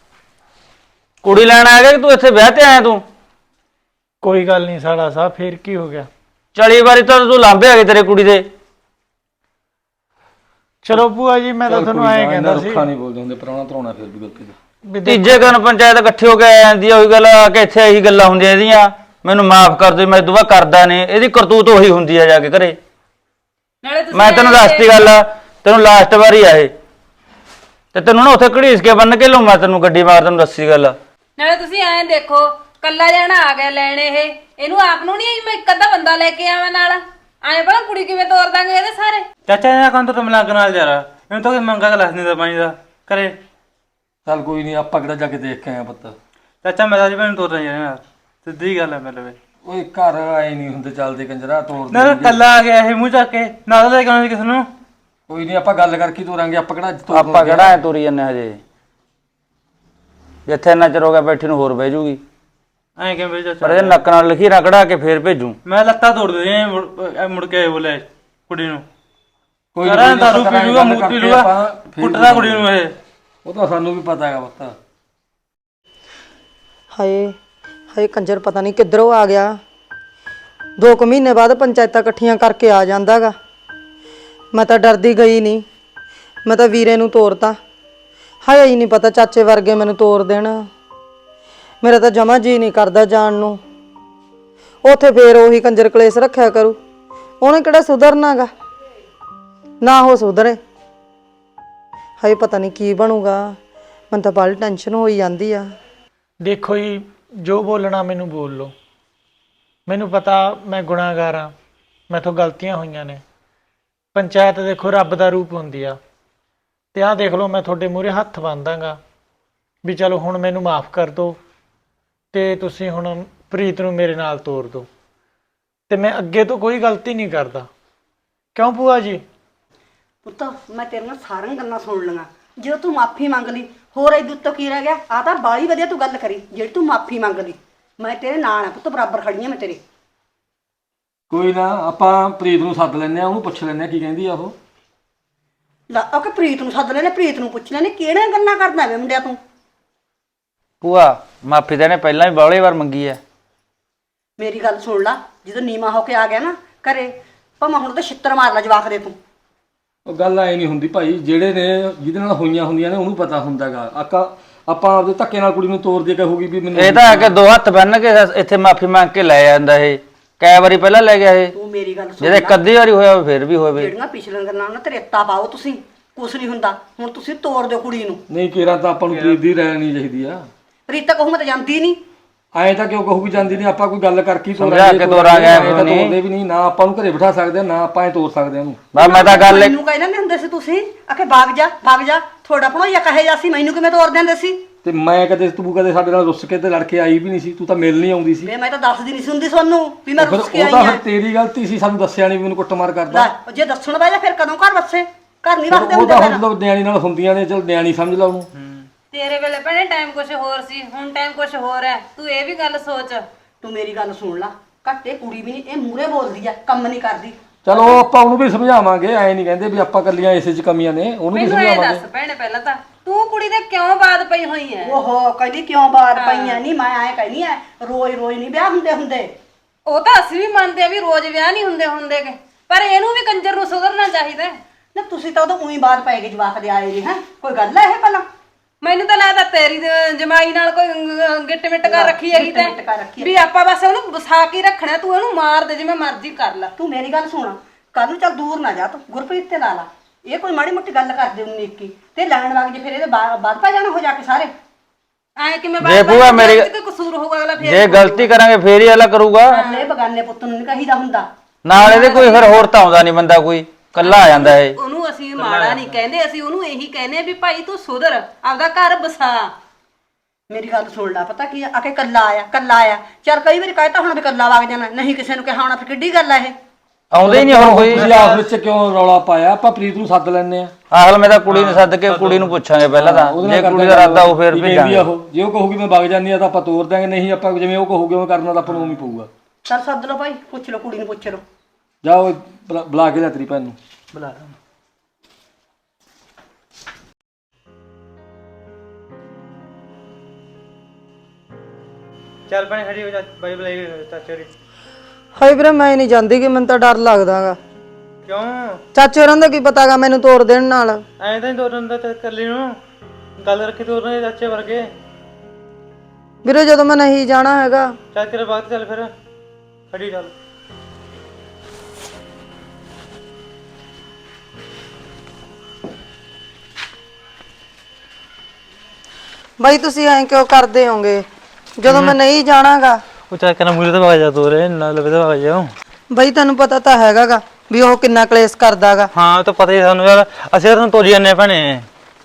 ਕੁੜੀ ਲੈਣ ਆ ਗਿਆ ਕਿ ਤੂੰ ਇੱਥੇ ਵਿਆਹ ਤੇ ਆਇਆ ਤੂੰ? ਕੋਈ ਗੱਲ ਨਹੀਂ ਸਾਲਾ ਸਾਹਿਬ, ਫੇਰ ਕੀ ਹੋ ਗਿਆ? 40 ਵਾਰੀ ਤਾਂ ਤੂੰ ਲਾਂਭੇ ਆ ਗਏ ਤੇਰੇ ਕੁੜੀ ਦੇ। ਚਲੋ ਭੂਆ ਜੀ ਮੈਂ ਤਾਂ ਤੁਹਾਨੂੰ ਐਂ ਕਹਿੰਦਾ ਸੀ ਰੁੱਖਾ ਨਹੀਂ ਬੋਲਦੇ ਹੁੰਦੇ, ਪ੍ਰਾਹੁਣਾ ਧਰਾਉਣਾ ਫਿਰ ਵੀ ਗਲਤੀ ਦਾ। ਵੀ ਤੀਜੇ ਦਿਨ ਪੰਚਾਇਤ ਇਕੱਠੀ ਹੋ ਕੇ ਆ ਜਾਂਦੀ ਆ, ਉਹੀ ਗੱਲ ਆ ਕਿ ਇੱਥੇ ਇਹੀ ਗੱਲਾਂ ਹੁੰਦੀਆਂ ਇਹਦੀਆਂ। ਮੈਨੂੰ ਮਾਫ ਕਰ ਦੇ, ਮੈਂ ਦੁਆ ਕਰਦਾ ਨੇ। ਇਹਦੀ ਕਰਤੂਤ ਉਹੀ ਹੁੰਦੀ ਆ ਜਾ ਕੇ ਘਰੇ। ਨਾਲੇ ਤੁਸੀਂ ਮੈਂ ਤੈਨੂੰ ਦੱਸਤੀ ਗੱਲ ਆ, ਤੈਨੂੰ ਲਾਸਟ ਵਾਰੀ ਆ ਇਹ। ਤੇ ਤੈਨੂੰ ਨਾ ਉੱਥੇ ਘੜੀਸ ਕੇ ਬੰਨ ਕੇ ਲਊ ਮੈਂ ਤੈਨੂੰ ਗੱਡੀ ਮਾਰ, ਤੈਨੂੰ ਦੱਸੀ ਗੱਲ। ਨਾਲੇ ਤੁਸੀਂ ਐਂ ਦੇਖੋ, ਕੱਲਾ ਜਾਣਾ ਆ ਗਿਆ ਲੈਣ ਇਹਨੂੰ ਆਪ ਨੂੰ ਨਹੀਂ ਮੈਂ ਇੱਕ ਅੱਧਾ ਬੰਦਾ ਲੈ ਕੇ ਆਵਾਂ ਨਾਲ। ਐਂ ਭਲਾ ਕੁੜੀ ਕਿਵੇਂ ਤੋਰ ਦਾਂਗੇ ਇਹਦੇ ਸਾਰੇ? ਚਾਚਾ ਇਹਨਾਂ ਕੰਨ ਤੋਂ ਮਲੰਗ ਨਾਲ ਯਾਰ, ਇਹਨੂੰ ਤਾਂ ਕੋਈ ਮੰਗਾ ਗਲਾਸ ਨਹੀਂ ਦਾ ਪਾਣੀ ਦਾ ਕਰੇ। ਚੱਲ ਕੋਈ ਨਹੀਂ, ਆਪਾਂ ਕਿਹੜਾ ਜਾ ਕੇ ਦੇਖ ਕੇ ਆਏ ਪੁੱਤ। ਚਾਚਾ ਮੈਂ ਤਾਂ ਜੀ ਭੈਣ ਤੋਰ ਰਿਹਾ ਯਾਰ, ਸਿੱਧੀ ਗੱਲ ਹੈ ਮੇਰੇ ਲਈ। ਓਏ ਘਰ ਆਏ ਨਹੀਂ ਹੁੰਦੇ, ਚੱਲਦੇ ਕੰਜਰਾ ਤੋਰ ਦੇ। ਨਾ ਕੱਲਾ ਆ ਗਿਆ ਇਹ ਮੂੰਹ ਚੱਕ ਕੇ, ਨਾ ਲੈ ਕੇ ਆਉਣਾ ਸੀ ਕਿਸੇ ਨੂੰ। ਕੋਈ ਨਹੀਂ, ਆਪਾਂ ਗੱਲ ਕਰਕੇ ਤੋਰਾਂਗੇ। ਆਪਾਂ ਕਿਹੜਾ ਆਪਾਂ ਕਿਹੜਾ ਐ ਤੁਰੀ ਜੰਨੇ ਹਜੇ। ਜਿੱਥੇ ਇੰਨਾ ਚਿਰ ਹੋ ਗਿਆ ਬੈਠੀ ਨੂੰ ਹੋਰ ਬਹਿ ਜੂਗੀ। ਐਂ ਕਿਵੇਂ ਬਈ ਪਰ ਚਾਚਾ? ਇਹ ਨੱਕ ਨਾਲ ਲਿਖੀ ਰਗੜਾ ਕੇ ਫੇਰ ਭੇਜੂ। ਮੈਂ ਲੱਤਾਂ ਤੋੜ ਦੇ ਮੁੜ ਕੇ ਬੋਲੇ ਕੁੜੀ ਨੂੰ। ਕੋਈ ਕਰਾਂ ਦਾਰੂ ਪੀ ਲੂਗਾ, ਮੂਤ ਪੀ ਲੂਗਾ, ਕੁੱਟਦਾ ਕੁੜੀ ਨੂੰ ਇਹ। ਉਹ ਤਾਂ ਸਾਨੂੰ ਵੀ ਪਤਾ ਹੈਗਾ ਪੁੱਤ। ਹਾਏ ਹਾਏ ਕੰਜਰ ਪਤਾ ਨਹੀਂ ਕਿੱਧਰੋਂ ਆ ਗਿਆ। 2 ਕੁ ਮਹੀਨੇ ਬਾਅਦ ਪੰਚਾਇਤਾਂ ਇਕੱਠੀਆਂ ਕਰਕੇ ਆ ਜਾਂਦਾਗਾ। ਮੈਂ ਤਾਂ ਡਰਦੀ ਗਈ ਨਹੀਂ, ਮੈਂ ਤਾਂ ਵੀਰੇ ਨੂੰ ਤੋਰਤਾ। ਹਾਏ ਹੀ ਨਹੀਂ ਪਤਾ ਚਾਚੇ ਵਰਗੇ ਮੈਨੂੰ ਤੋਰ ਦੇਣ। ਮੇਰਾ ਤਾਂ ਜਮਾ ਜੀ ਨਹੀਂ ਕਰਦਾ ਜਾਣ ਨੂੰ। ਉੱਥੇ ਫੇਰ ਉਹੀ ਕੰਜਰ ਕਲੇਸ਼ ਰੱਖਿਆ ਕਰੂ। ਉਹਨੇ ਕਿਹੜਾ ਸੁਧਰਨਾਗਾ, ਨਾ ਉਹ ਸੁਧਰੇ। ਹਾਏ ਪਤਾ ਨਹੀਂ ਕੀ ਬਣੂਗਾ। ਮੈਨੂੰ ਤਾਂ ਬੜੀ ਟੈਨਸ਼ਨ ਹੋਈ ਜਾਂਦੀ ਆ। ਦੇਖੋ ਜੀ, ਜੋ ਬੋਲਣਾ ਮੈਨੂੰ ਬੋਲ ਲਓ। ਮੈਨੂੰ ਪਤਾ ਮੈਂ ਗੁਨਾਹਗਾਰ ਹਾਂ, ਮੈਥੋਂ ਗਲਤੀਆਂ ਹੋਈਆਂ ਨੇ। ਪੰਚਾਇਤ ਦੇਖੋ ਰੱਬ ਦਾ ਰੂਪ ਹੁੰਦੀ ਆ, ਤੇ ਆਹ ਦੇਖ ਲਓ ਮੈਂ ਤੁਹਾਡੇ ਮੂਹਰੇ ਹੱਥ ਬੰਨ੍ਹਦਾਂਗਾ ਵੀ ਚਲੋ ਹੁਣ ਮੈਨੂੰ ਮਾਫ ਕਰ ਦਿਓ ਤੇ ਤੁਸੀਂ ਹੁਣ ਪ੍ਰੀਤ ਨੂੰ ਮੇਰੇ ਨਾਲ ਤੋਰ ਦਿਓ, ਤੇ ਮੈਂ ਅੱਗੇ ਤੋਂ ਕੋਈ ਗਲਤੀ ਨਹੀਂ ਕਰਦਾ। ਕਿਉਂ ਭੂਆ ਜੀ? ਪੁੱਤ ਮੈਂ ਤੇਰੇ ਨਾਲ ਸਾਰੀਆਂ ਗੱਲਾਂ ਸੁਣ ਲਈਆਂ। ਜਦੋਂ ਤੂੰ ਮਾਫੀ ਮੰਗ ਲਈ, ਹੋਰ ਇਹਦੇ ਉੱਤੋਂ ਕੀ ਰਹਿ ਗਿਆ? ਆ ਤਾਂ ਬਾਲੀ ਵਧੀਆ ਤੂੰ ਗੱਲ ਕਰੀ ਜਿਹੜੀ ਤੂੰ ਮਾਫੀ ਮੰਗ ਲਈ। ਮੈਂ ਤੇਰੇ ਨਾਲ ਆ ਪੁੱਤ, ਬਰਾਬਰ ਖੜੀ ਆ ਮੈਂ ਤੇਰੇ। ਕੋਈ ਨਾ, ਆਪਾਂ ਪ੍ਰੀਤ ਨੂੰ ਸੱਦ ਲੈਂਦੇ ਆ, ਉਹਨੂੰ ਪੁੱਛ ਲੈਂਦੇ ਆ ਕੀ ਕਹਿੰਦੀ ਆ ਉਹ। ਲੈ ਉਹ ਕਿ ਪ੍ਰੀਤ ਨੂੰ ਸੱਦ ਲੈਣੇ, ਪ੍ਰੀਤ ਨੂੰ ਪੁੱਛ ਲੈਣੇ। ਕਿਹੜੀਆਂ ਗੱਲਾਂ ਕਰਦਾ ਵੇ ਮੁੰਡਿਆ ਤੂੰ? ਭੂਆ ਮਾਫੀ ਤਾਂ ਇਹਨੇ ਪਹਿਲਾਂ ਵੀ ਬਾਹਲੀ ਵਾਰ ਮੰਗੀ ਐ। ਮੇਰੀ ਗੱਲ ਸੁਣ ਲਾ, ਜਦੋਂ ਨੀਮਾ ਹੋ ਕੇ ਆ ਗਿਆ ਨਾ ਘਰੇ, ਭਾਵੇਂ ਹੁਣ ਤਾਂ ਛਿੱਤਰ ਮਾਰ ਲੈ ਜਵਾਕ ਦੇ ਤੂੰ। ਉਹ ਗੱਲ ਐ ਨਹੀਂ ਹੁੰਦੀ ਭਾਈ, ਜਿਹੜੇ ਨੇ ਜਿਹਦੇ ਨਾਲ ਹੋਈਆਂ ਹੁੰਦੀਆਂ ਨੇ ਉਹਨੂੰ ਪਤਾ ਹੁੰਦਾਗਾ। ਆਪਾਂ ਆਪਦੇ ਧੱਕੇ ਨਾਲ ਕੁੜੀ ਨੂੰ ਤੋੜ ਦੇ ਕਹੂਗੀ ਵੀ ਮੈਨੂੰ ਇਹ ਤਾਂ ਆ ਕੇ ਦੋ ਹੱਥ ਬੰਨ ਕੇ ਇੱਥੇ ਮਾਫੀ ਮੰਗ ਕੇ ਲੈ ਜਾਂਦਾ ਇਹ। ਕਈ ਵਾਰੀ ਪਹਿਲਾਂ ਲੈ ਗਿਆ ਇਹ, ਤੂੰ ਮੇਰੀ ਗੱਲ ਸੁਣ ਜਿਹਦੇ ਇੱਕ ਅੱਧੀ ਵਾਰੀ ਹੋਇਆ ਹੋਵੇ ਫਿਰ ਵੀ ਹੋਵੇ। ਜਿਹੜੀਆਂ ਪਿਛਲੀਆਂ ਗੱਲਾਂ ਨਾ ਤਰੇਤਾ ਪਾਓ ਤੁਸੀਂ, ਕੁਛ ਨਹੀਂ ਹੁੰਦਾ। ਹੁਣ ਤੁਸੀਂ ਤੋੜ ਦਿਓ ਕੁੜੀ ਨੂੰ। ਨਹੀਂ ਕੇਰਾਂ ਤਾਂ ਆਪਾਂ ਨੂੰ ਪ੍ਰੀਤ ਦੀ ਰਹਿਣੀ ਚਾਹੀਦੀ ਆ। ਪ੍ਰੀਤ ਤਾਂ ਕਹੂ ਮੈਂ ਤਾਂ ਜਾਂਦੀ ਨਹੀਂ। ਐਂ ਤਾਂ ਕਿਉਂ ਕਹੂਗੀ ਜਾਂਦੀ ਨਹੀਂ? ਆਪਾਂ ਕੋਈ ਗੱਲ ਕਰਕੇ ਹੀ ਸਮਝਾ ਕੇ ਤੋਰਾਂਗੇ ਐਂ ਇਹਨੂੰ ਤਾਂ ਨਹੀਂ। ਤੋਰਦੇ ਵੀ ਨਹੀਂ ਨਾ, ਆਪਾਂ ਨੂੰ ਘਰੇ ਬਿਠਾ ਸਕਦੇ ਆ ਨਾ ਆਪਾਂ ਐ ਤੋਰ ਸਕਦੇ ਆ ਉਹਨੂੰ। ਬਸ ਮੈਂ ਤਾਂ ਗੱਲ ਮੈਨੂੰ ਕਹਿੰਦੇ ਨਹੀਂ ਹੁੰਦੇ ਸੀ ਤੁਸੀਂ ਆਖੇ ਭਾਗ ਜਾ ਭਾਗ ਜਾ, ਥੋੜਾ ਭਣੋਈਆ ਕਹੇ ਜਾ ਸੀ, ਮੈਨੂੰ ਕਿਵੇਂ ਤੋਰ ਦਿੰਦੇ ਸੀ? ਤੇ ਮੈਂ ਤੂੰ ਕਦੇ ਸਾਡੇ ਨਾਲ ਰੁੱਸ ਕੇ ਤੇ ਲੜ ਕੇ ਆਈ ਵੀ ਨਹੀਂ ਸੀ, ਤੂੰ ਤਾਂ ਮਿਲ ਨਹੀਂ ਆਉਂਦੀ ਸੀ। ਵੇ ਮੈਂ ਤਾਂ ਦੱਸਦੀ ਨਹੀਂ ਸੀ ਹੁੰਦੀ ਤੁਹਾਨੂੰ ਵੀ ਮੈਂ ਫਿਰ ਰੁੱਸ ਕੇ ਉਹ ਆਈ ਤਾਂ ਹਾਂ। ਫਿਰ ਤੇਰੀ ਗਲਤੀ ਸੀ, ਸਾਨੂੰ ਦੱਸਿਆ ਨਹੀਂ ਵੀ ਮੈਨੂੰ ਕੁੱਟਮਾਰ ਕਰਦਾ। ਲੈ ਜੇ ਦੱਸਣ ਬਹਿ ਜਾ ਫਿਰ ਕਦੋਂ ਘਰ ਵਸੇ? ਘਰ ਨਹੀਂ ਵਸਦੇ ਉਹ ਹੁੰਦੇ ਤਾਂ ਫਿਰ। ਹੁਣ ਨਿਆਣੀ ਨਾਲ ਹੁੰਦੀਆਂ ਨੇ, ਚਲ ਨਿਆਣੀ ਸਮਝ ਲਾ ਉਹਨੂੰ। ਤੇਰੇ ਵੇਲੇ ਭੈਣੇ ਟਾਈਮ ਕੁਝ ਹੋਰ ਸੀ, ਹੁਣ ਟਾਈਮ ਕੁਝ ਹੋਰ ਹੈ। ਤੂੰ ਇਹ ਵੀ ਗੱਲ ਸੋਚ। ਤੂੰ ਮੇਰੀ ਗੱਲ ਸੁਣ ਲਾ, ਘੱਟੇ ਕੁੜੀ ਵੀ ਨਹੀਂ, ਇਹ ਮੂਰੇ ਬੋਲਦੀ ਆ, ਕੰਮ ਨਹੀਂ ਕਰਦੀ। ਚਲੋ ਆਪਾਂ ਉਹਨੂੰ ਵੀ ਸਮਝਾਵਾਂਗੇ, ਐ ਨਹੀਂ ਕਹਿੰਦੇ ਵੀ ਆਪਾਂ ਕੱਲੀਆਂ ਇਸੇ 'ਚ ਕਮੀਆਂ ਨੇ, ਉਹਨੂੰ ਵੀ ਮੈਨੂੰ ਇਹ ਸਮਝਾਵਾਂਗੇ। ਦੱਸ ਭੈਣੇ ਪਹਿਲਾਂ ਤਾਂ ਤੂੰ ਕੁੜੀ ਦੇ ਕਿਉਂ ਬਾਤ ਪਈ ਹੋਈ ਹੈ? ਓਹੋ ਕਹਿੰਦੀ ਕਿਉਂ ਬਾਤ ਪਈਆਂ ਨਹੀਂ, ਮੈਂ ਐ ਕਹਿੰਦੀ ਐ ਰੋਜ਼ ਰੋਜ਼ ਨਹੀਂ ਵਿਆਹ ਹੁੰਦੇ। ਉਹ ਤਾਂ ਅਸੀਂ ਵੀ ਮੰਨਦੇ ਆ ਵੀ ਰੋਜ਼ ਵਿਆਹ ਨਹੀਂ ਹੁੰਦੇ, ਪਰ ਇਹਨੂੰ ਵੀ ਕੰਜਰ ਨੂੰ ਸੁਧਰਨਾ ਚਾਹੀਦਾ ਹੈ। ਨਾ ਤੁਸੀਂ ਤਾਂ ਉਦੋਂ ਉਹੀ ਬਾਤ ਪੈ ਗਈ ਜਵਾਕ ਦੇ ਆਏ ਨਹੀਂ ਹੈ, ਕੋਈ ਗੱਲ ਹੈ ਇਹ ਭਲਾ? ਮੈਨੂੰ ਤਾਂ ਲੱਗਦਾ ਤੇਰੀ ਜਮਾਈ ਨਾਲ ਕੋਈ ਗਿੱਟ ਮਿੱਟ ਕਰ ਰੱਖੀ ਹੈਗੀ ਗਿੱਟ ਮਿੱਟ ਕਰ ਰੱਖੀ ਤੇ ਵੀ ਆਪਾਂ ਬਸ ਉਹਨੂੰ ਵਸਾ ਕੇ ਰੱਖਣਾ, ਤੂੰ ਇਹਨੂੰ ਮਾਰ ਦੇ ਜਿਵੇਂ ਮਰਜ਼ੀ ਕਰ ਲੈ। ਤੂੰ ਮੇਰੀ ਗੱਲ ਸੁਣ, ਕੱਲ ਨੂੰ ਚੱਲ ਦੂਰ ਨਾ ਜਾ ਤੂੰ, ਗੁਰਪ੍ਰੀਤ ਤੇ ਲਾ ਲਾ। ਇਹ ਕੋਈ ਮਾੜੀ ਮੋਟੀ ਗੱਲ ਕਰਦੇ 19 21 ਤੇ ਲੈਣ ਵਗ ਜੇ ਫਿਰ ਇਹਦੇ ਬਾਅਦ ਪੈ ਜਾਣਾ ਹੋ ਜਾ ਕੇ ਸਾਰੇ। ਐ ਕਿਵੇਂ ਜੇ ਭੂਆ ਮੇਰੀ ਕੋਈ ਕਸੂਰ ਹੋਊਗਾ ਅਗਲਾ ਫੇਰ ਜੇ ਗਲਤੀ ਕਰਾਂਗੇ ਫੇਰ ਹੀ ਅਗਲਾ ਕਰੂਗਾ। ਇਹ ਬਗਾਨੇ ਪੁੱਤ ਨੂੰ ਨਹੀਂ ਕਹੀਦਾ ਹੁੰਦਾ। ਨਾਲ ਇਹਦੇ ਕੋਈ ਫਿਰ ਹੋਰ ਤਾਂ ਆਉਂਦਾ ਨਹੀਂ ਬੰਦਾ, ਕੋਈ ਕੱਲਾ ਆ ਜਾਂਦਾ ਇਹ। ਉਹਨੂੰ ਅਸੀਂ ਮਾੜਾ ਨਹੀਂ ਕਹਿੰਦੇ, ਅਸੀਂ ਉਹਨੂੰ ਇਹੀ ਕਹਿੰਦੇ ਆ ਵੀ ਭਾਈ ਤੂੰ ਸੁਧਰ, ਆਪਦਾ ਘਰ ਬਸਾ। ਮੇਰੀ ਗੱਲ ਸੁਣ ਲੈ, ਪਤਾ ਕੀ ਆ ਕੇ ਕੱਲਾ ਆਇਆ ਚੱਲ ਕਈ ਵਾਰੀ ਕਹਿਤਾ ਹੁਣ ਵੀ ਕੱਲਾ ਵਗ ਜਾਣਾ, ਨਹੀਂ ਕਿਸੇ ਨੂੰ ਕਿਹਾ ਹੋਣਾ, ਫਿਰ ਕਿੱਡੀ ਗੱਲ ਆ ਇਹ? ਆਉਂਦੇ ਹੀ ਨਹੀਂ ਹੁਣ ਕੋਈ। ਤੁਸੀਂ ਆਪ ਵਿੱਚ ਕਿਉਂ ਰੌਲਾ ਪਾਇਆ? ਆਪਾਂ ਪ੍ਰੀਤ ਨੂੰ ਸੱਦ ਲੈਣੇ ਆ। ਆਖਲ ਮੈਂ ਤਾਂ ਕੁੜੀ ਨੂੰ ਸੱਦ ਕੇ ਕੁੜੀ ਨੂੰ ਪੁੱਛਾਂਗੇ ਪਹਿਲਾਂ ਤਾਂ, ਜੇ ਕੁੜੀ ਦਾ ਇਰਾਦਾ ਉਹ ਫੇਰ ਭੇਜਾਂਗੇ। ਜੇ ਉਹ ਕਹੂਗੀ ਮੈਂ ਵਗ ਜਾਂਦੀ ਆ ਤਾਂ ਆਪਾਂ ਤੋਰ ਦਾਂਗੇ, ਨਹੀਂ ਆਪਾਂ ਜਿਵੇਂ ਉਹ ਕਹੂਗੇ ਉਹ ਕਰਨਾ ਤਾਂ ਆਪਾਂ ਨੂੰ ਉਵੇਂ ਪਊਗਾ। ਚੱਲ ਸੱਦ ਲਓ ਭਾਈ, ਪੁੱਛ ਲਓ ਕੁੜੀ ਨੂੰ, ਪੁੱਛ ਲਓ। ਜਾਓ ਬੁਲਾ ਕੇ ਲੈ ਤੇਰੀ ਭੈਣ ਨੂੰ। ਬੁਲਾ ਲਾ। ਚੱਲ ਭੈਣੇ ਖੜੀ ਹੋ ਜਾ, ਬਾਈ ਬੁਲਾਈ ਚਾਚੇ ਦੀ। ਹਾਏ ਵੀਰੇ ਮੈਂ ਨਹੀਂ ਜਾਂਦੀ, ਕਿ ਮੈਨੂੰ ਤਾਂ ਡਰ ਲੱਗਦਾਗਾ। ਕਿਉਂ? ਚਾਚੇ ਹੋਰਾਂ ਦਾ ਕੀ ਪਤਾਗਾ ਮੈਨੂੰ ਤੋੜ ਦੇਣ ਨਾਲ। ਐਂ ਤਾਂ ਦੋਰਨ ਦਾ ਕਰ ਲਈ ਨੂੰ ਗੱਲ ਰੱਖੀ ਤੋਰਨ ਦੇ ਚਾਚੇ ਵਰਗੇ। ਵੀਰੇ ਜਦੋਂ ਮੈਂ ਨਹੀਂ ਜਾਣਾ ਹੈਗਾ। ਚੱਲ ਤੇਰੇ ਬਾਅਦ ਚੱਲ ਫਿਰ ਖੜੀ ਚੱਲ। ਬਾਈ ਤੁਸੀਂ ਐਂ ਕਿਉਂ ਕਰਦੇ ਹੋਗੇ ਜਦੋਂ ਮੈਂ ਨਹੀਂ ਜਾਣਾਗਾ? ਉਹ ਚੱਲ ਕਹਿੰਦਾ ਮੂਰੇ ਤੇ ਵਗ ਜਾ ਤੋਰੇ ਨਾਲ ਲਵੇ ਤੇ ਵਗ ਜਾ। ਬਾਈ ਤੈਨੂੰ ਪਤਾ ਤਾਂ ਹੈਗਾਗਾ ਵੀ ਉਹ ਕਿੰਨਾ ਕਲੇਸ਼ ਕਰਦਾਗਾ। ਹਾਂ ਉਹ ਤਾਂ ਪਤਾ ਹੀ ਸਾਨੂੰ ਯਾਰ, ਅਸੀਂ ਤਾਂ ਤੋਰੀ ਜਾਂਦੇ ਭੈਣੇ।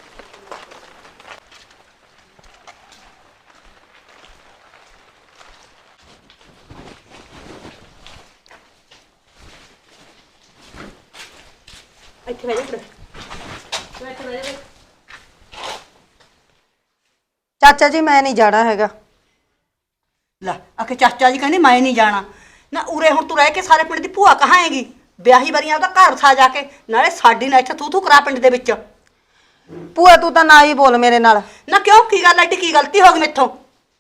ਇੱਥੇ ਬਹਿ ਜਾ। ਚਾਚਾ ਜੀ ਮੈਂ ਨਹੀਂ ਜਾਣਾ ਹੈਗਾ। ਲੈ ਆਖੇ ਚਾਚਾ ਜੀ ਕਹਿੰਦੇ ਮੈਂ ਨਹੀਂ ਜਾਣਾ ਨਾ। ਉਰੇ ਹੁਣ ਤੂੰ ਰਹਿ ਕੇ ਸਾਰੇ ਪਿੰਡ ਦੀ ਭੂਆ ਕਹਾਏਗੀ? ਵਿਆਹੀ ਵਰੀਆਂ ਉਹਦਾ ਘਰ ਵਸਾ ਜਾ ਕੇ, ਨਾਲੇ ਸਾਡੀ ਨਾ ਇੱਥੇ ਤੂੰ ਕਰਾ ਪਿੰਡ ਦੇ ਵਿੱਚ। ਭੂਆ ਤੂੰ ਤਾਂ ਨਾ ਹੀ ਬੋਲ ਮੇਰੇ ਨਾਲ। ਨਾ ਕਿਉਂ, ਕੀ ਗੱਲ ਐਡੀ ਕੀ ਗਲਤੀ ਹੋ ਗਈ ਮੇਥੋਂ?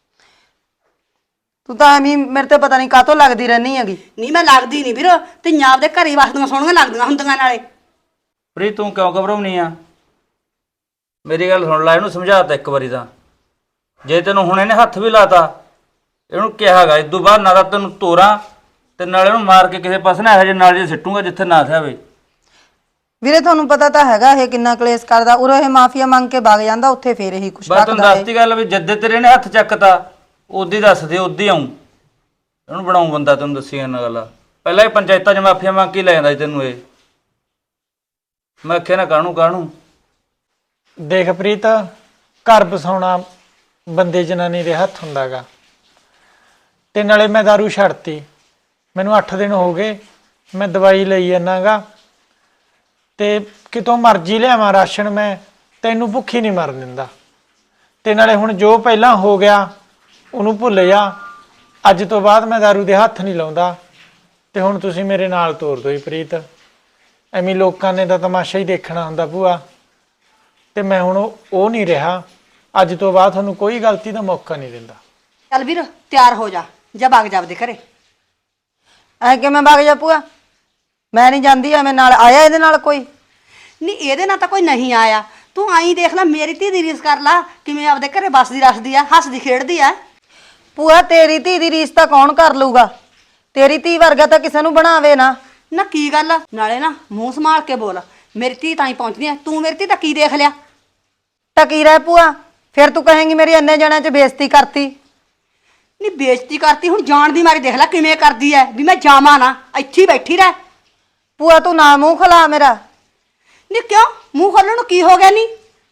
ਤੂੰ ਤਾਂ ਐਵੇਂ ਮੇਰੇ ਤੇ ਪਤਾ ਨਹੀਂ ਕਾਹਤੋਂ ਲੱਗਦੀ ਰਹਿਣੀ ਹੈਗੀ। ਨਹੀਂ ਮੈਂ ਲੱਗਦੀ ਨਹੀਂ ਵੀਰ, ਧੀਆਂ ਆਪਦੇ ਘਰੇ ਵਸਦੀਆਂ ਸੋਹਣੀਆਂ ਲੱਗਦੀਆਂ ਹੁੰਦੀਆਂ ਨਾਲੇ। ਪ੍ਰੀਤ ਤੂੰ ਕਿਉਂ ਘਬਰਾਉਣੀ ਆ? ਮੇਰੀ ਗੱਲ ਸੁਣ ਲੈ, ਇਹਨੂੰ ਸਮਝਾਤਾ ਇੱਕ ਵਾਰੀ ਤਾਂ। ਜੇ ਤੈਨੂੰ ਹੁਣ ਇਹਨੇ ਹੱਥ ਵੀ ਲਾਤਾ, ਇਹਨੂੰ ਕਿਹਾਗਾ ਇਦੋਂ ਬਾਅਦ ਨਾ ਤਾਂ ਤੈਨੂੰ ਤੋਰਾਂ ਤੇ ਨਾਲੇ ਇਹਨੂੰ ਮਾਰ ਕੇ ਕਿਸੇ ਪਾਸੇ ਨਾ ਇਹੋ ਜਿਹੇ ਨਾਲ ਜੇ ਸਿੱਟੂਗਾ ਜਿੱਥੇ ਨਾ ਥਿਆਵੇ। ਵੀਰੇ ਤੁਹਾਨੂੰ ਪਤਾ ਤਾਂ ਹੈਗਾ ਇਹ ਕਿੰਨਾ ਕਲੇਸ਼ ਕਰਦਾ ਉਰੇ ਇਹ ਮਾਫੀਆ ਮੰਗ ਕੇ ਵਗ ਜਾਂਦਾ ਉੱਥੇ ਫੇਰ ਇਹੀ ਕੁਛ ਬਸ ਤੁਹਾਨੂੰ ਰੱਖਦਾ ਦੱਸਤੀ ਗੱਲ ਵੀ ਜੱਦੇ ਤੇਰੇ ਨੇ ਹੱਥ ਚੱਕਤਾ ਉਦੀ ਦੱਸ ਦੇ ਉਦੀ ਆਉਂ ਇਹਨੂੰ ਬਣਾਉਂ ਬੰਦਾ ਤੈਨੂੰ ਦੱਸੀ ਇਹਨਾਂ ਗੱਲ ਪਹਿਲਾਂ ਇਹ ਪੰਚਾਇਤਾਂ 'ਚ ਮਾਫੀਆਂ ਮੰਗ ਕੇ ਲੈ ਜਾਂਦਾ ਸੀ ਤੈਨੂੰ ਇਹ ਮੈਂ ਆਖਿਆ ਨਾ ਕਾਹਨੂੰ ਦੇਖ ਪ੍ਰੀਤ, ਘਰ ਬਸਾਉਣਾ ਬੰਦੇ ਜਨਾਨੀ ਦੇ ਹੱਥ ਹੁੰਦਾਗਾ। ਤੇ ਨਾਲੇ ਮੈਂ ਦਾਰੂ ਛੱਡਤੀ, ਮੈਨੂੰ 8 ਦਿਨ ਹੋ ਗਏ, ਮੈਂ ਦਵਾਈ ਲਈ ਜਾਨਾਗਾ ਤੇ ਕਿਤੋਂ ਮਰਜ਼ੀ ਲਿਆਵਾਂ ਰਾਸ਼ਨ, ਮੈਂ ਤੈਨੂੰ ਭੁੱਖੀ ਨਹੀਂ ਮਰਨ ਦਿੰਦਾ। ਤੇ ਨਾਲੇ ਹੁਣ ਜੋ ਪਹਿਲਾਂ ਹੋ ਗਿਆ ਉਹਨੂੰ ਭੁੱਲ ਜਾ, ਅੱਜ ਤੋਂ ਬਾਅਦ ਮੈਂ ਦਾਰੂ ਦੇ ਹੱਥ ਨਹੀਂ ਲਾਉਂਦਾ। ਤੇ ਹੁਣ ਤੁਸੀਂ ਮੇਰੇ ਨਾਲ ਤੋਰ ਦਿਓ ਜੀ ਪ੍ਰੀਤ, ਐਵੇਂ ਲੋਕਾਂ ਨੇ ਤਾਂ ਤਮਾਸ਼ਾ ਹੀ ਦੇਖਣਾ ਹੁੰਦਾ ਭੂਆ। ਤੇ ਮੈਂ ਹੁਣ ਉਹ ਨਹੀਂ ਰਿਹਾ, ਅੱਜ ਤੋਂ ਬਾਅਦ ਤੁਹਾਨੂੰ ਕੋਈ ਗਲਤੀ ਦਾ ਮੌਕਾ ਨਹੀਂ ਦਿੰਦਾ। ਚੱਲ ਵੀਰ ਤਿਆਰ ਹੋ ਜਾ, ਜਾ ਵਗ ਜਾ ਆਪਦੇ ਘਰੇ। ਐ ਕਿਵੇਂ ਵਗ ਜਾ ਭੂਆ? ਮੈਂ ਨਹੀਂ ਜਾਂਦੀ ਐਵੇਂ ਨਾਲ ਆਇਆ ਇਹਦੇ ਨਾਲ ਕੋਈ? ਨਹੀਂ ਇਹਦੇ ਨਾਲ ਤਾਂ ਕੋਈ ਨਹੀਂ ਆਇਆ, ਤੂੰ ਆਈ ਦੇਖ ਲੈ, ਮੇਰੀ ਧੀ ਦੀ ਰੀਸ ਕਰ ਲਾ ਕਿਵੇਂ ਆਪਦੇ ਘਰੇ ਬਸਦੀ ਰੱਖਦੀ ਆ, ਹੱਸਦੀ ਖੇਡਦੀ ਆ। ਭੂਆ ਤੇਰੀ ਧੀ ਦੀ ਰੀਸ ਤਾਂ ਕੌਣ ਕਰ ਲੂਗਾ? ਤੇਰੀ ਧੀ ਵਰਗਾ ਤਾਂ ਕਿਸੇ ਨੂੰ ਬਣਾਵੇ ਨਾ। ਨਾ ਕੀ ਗੱਲ ਆ? ਨਾਲੇ ਨਾ ਮੂੰਹ ਸੰਭਾਲ ਕੇ ਬੋਲ, ਮੇਰੀ ਧੀ ਤਾਂ ਹੀ ਪਹੁੰਚਦੀ ਆ, ਤੂੰ ਮੇਰੀ ਧੀ ਦਾ ਕੀ ਦੇਖ ਲਿਆ? ਟਕੀ ਰਹਿ ਭੂਆ, ਫਿਰ ਤੂੰ ਕਹੇਂਗੀ ਮੇਰੀ ਇੰਨੇ ਜਣਿਆਂ 'ਚ ਬੇਇੱਜ਼ਤੀ ਕਰਤੀ। ਨਹੀਂ ਬੇਇੱਜ਼ਤੀ ਕਰਤੀ, ਹੁਣ ਜਾਣ ਦੀ ਮਾਰੀ ਦੇਖ ਲੈ ਕਿਵੇਂ ਕਰਦੀ ਐ ਵੀ ਮੈਂ ਜਾਵਾਂ ਨਾ, ਇੱਥੇ ਹੀ ਬੈਠੀ ਰਹਿ। ਭੂਆ ਤੂੰ ਨਾ ਮੂੰਹ ਖਲਾ ਮੇਰਾ। ਨਹੀਂ ਕਿਉਂ ਮੂੰਹ ਖੋਲਣ ਨੂੰ ਕੀ ਹੋ ਗਿਆ? ਨਹੀਂ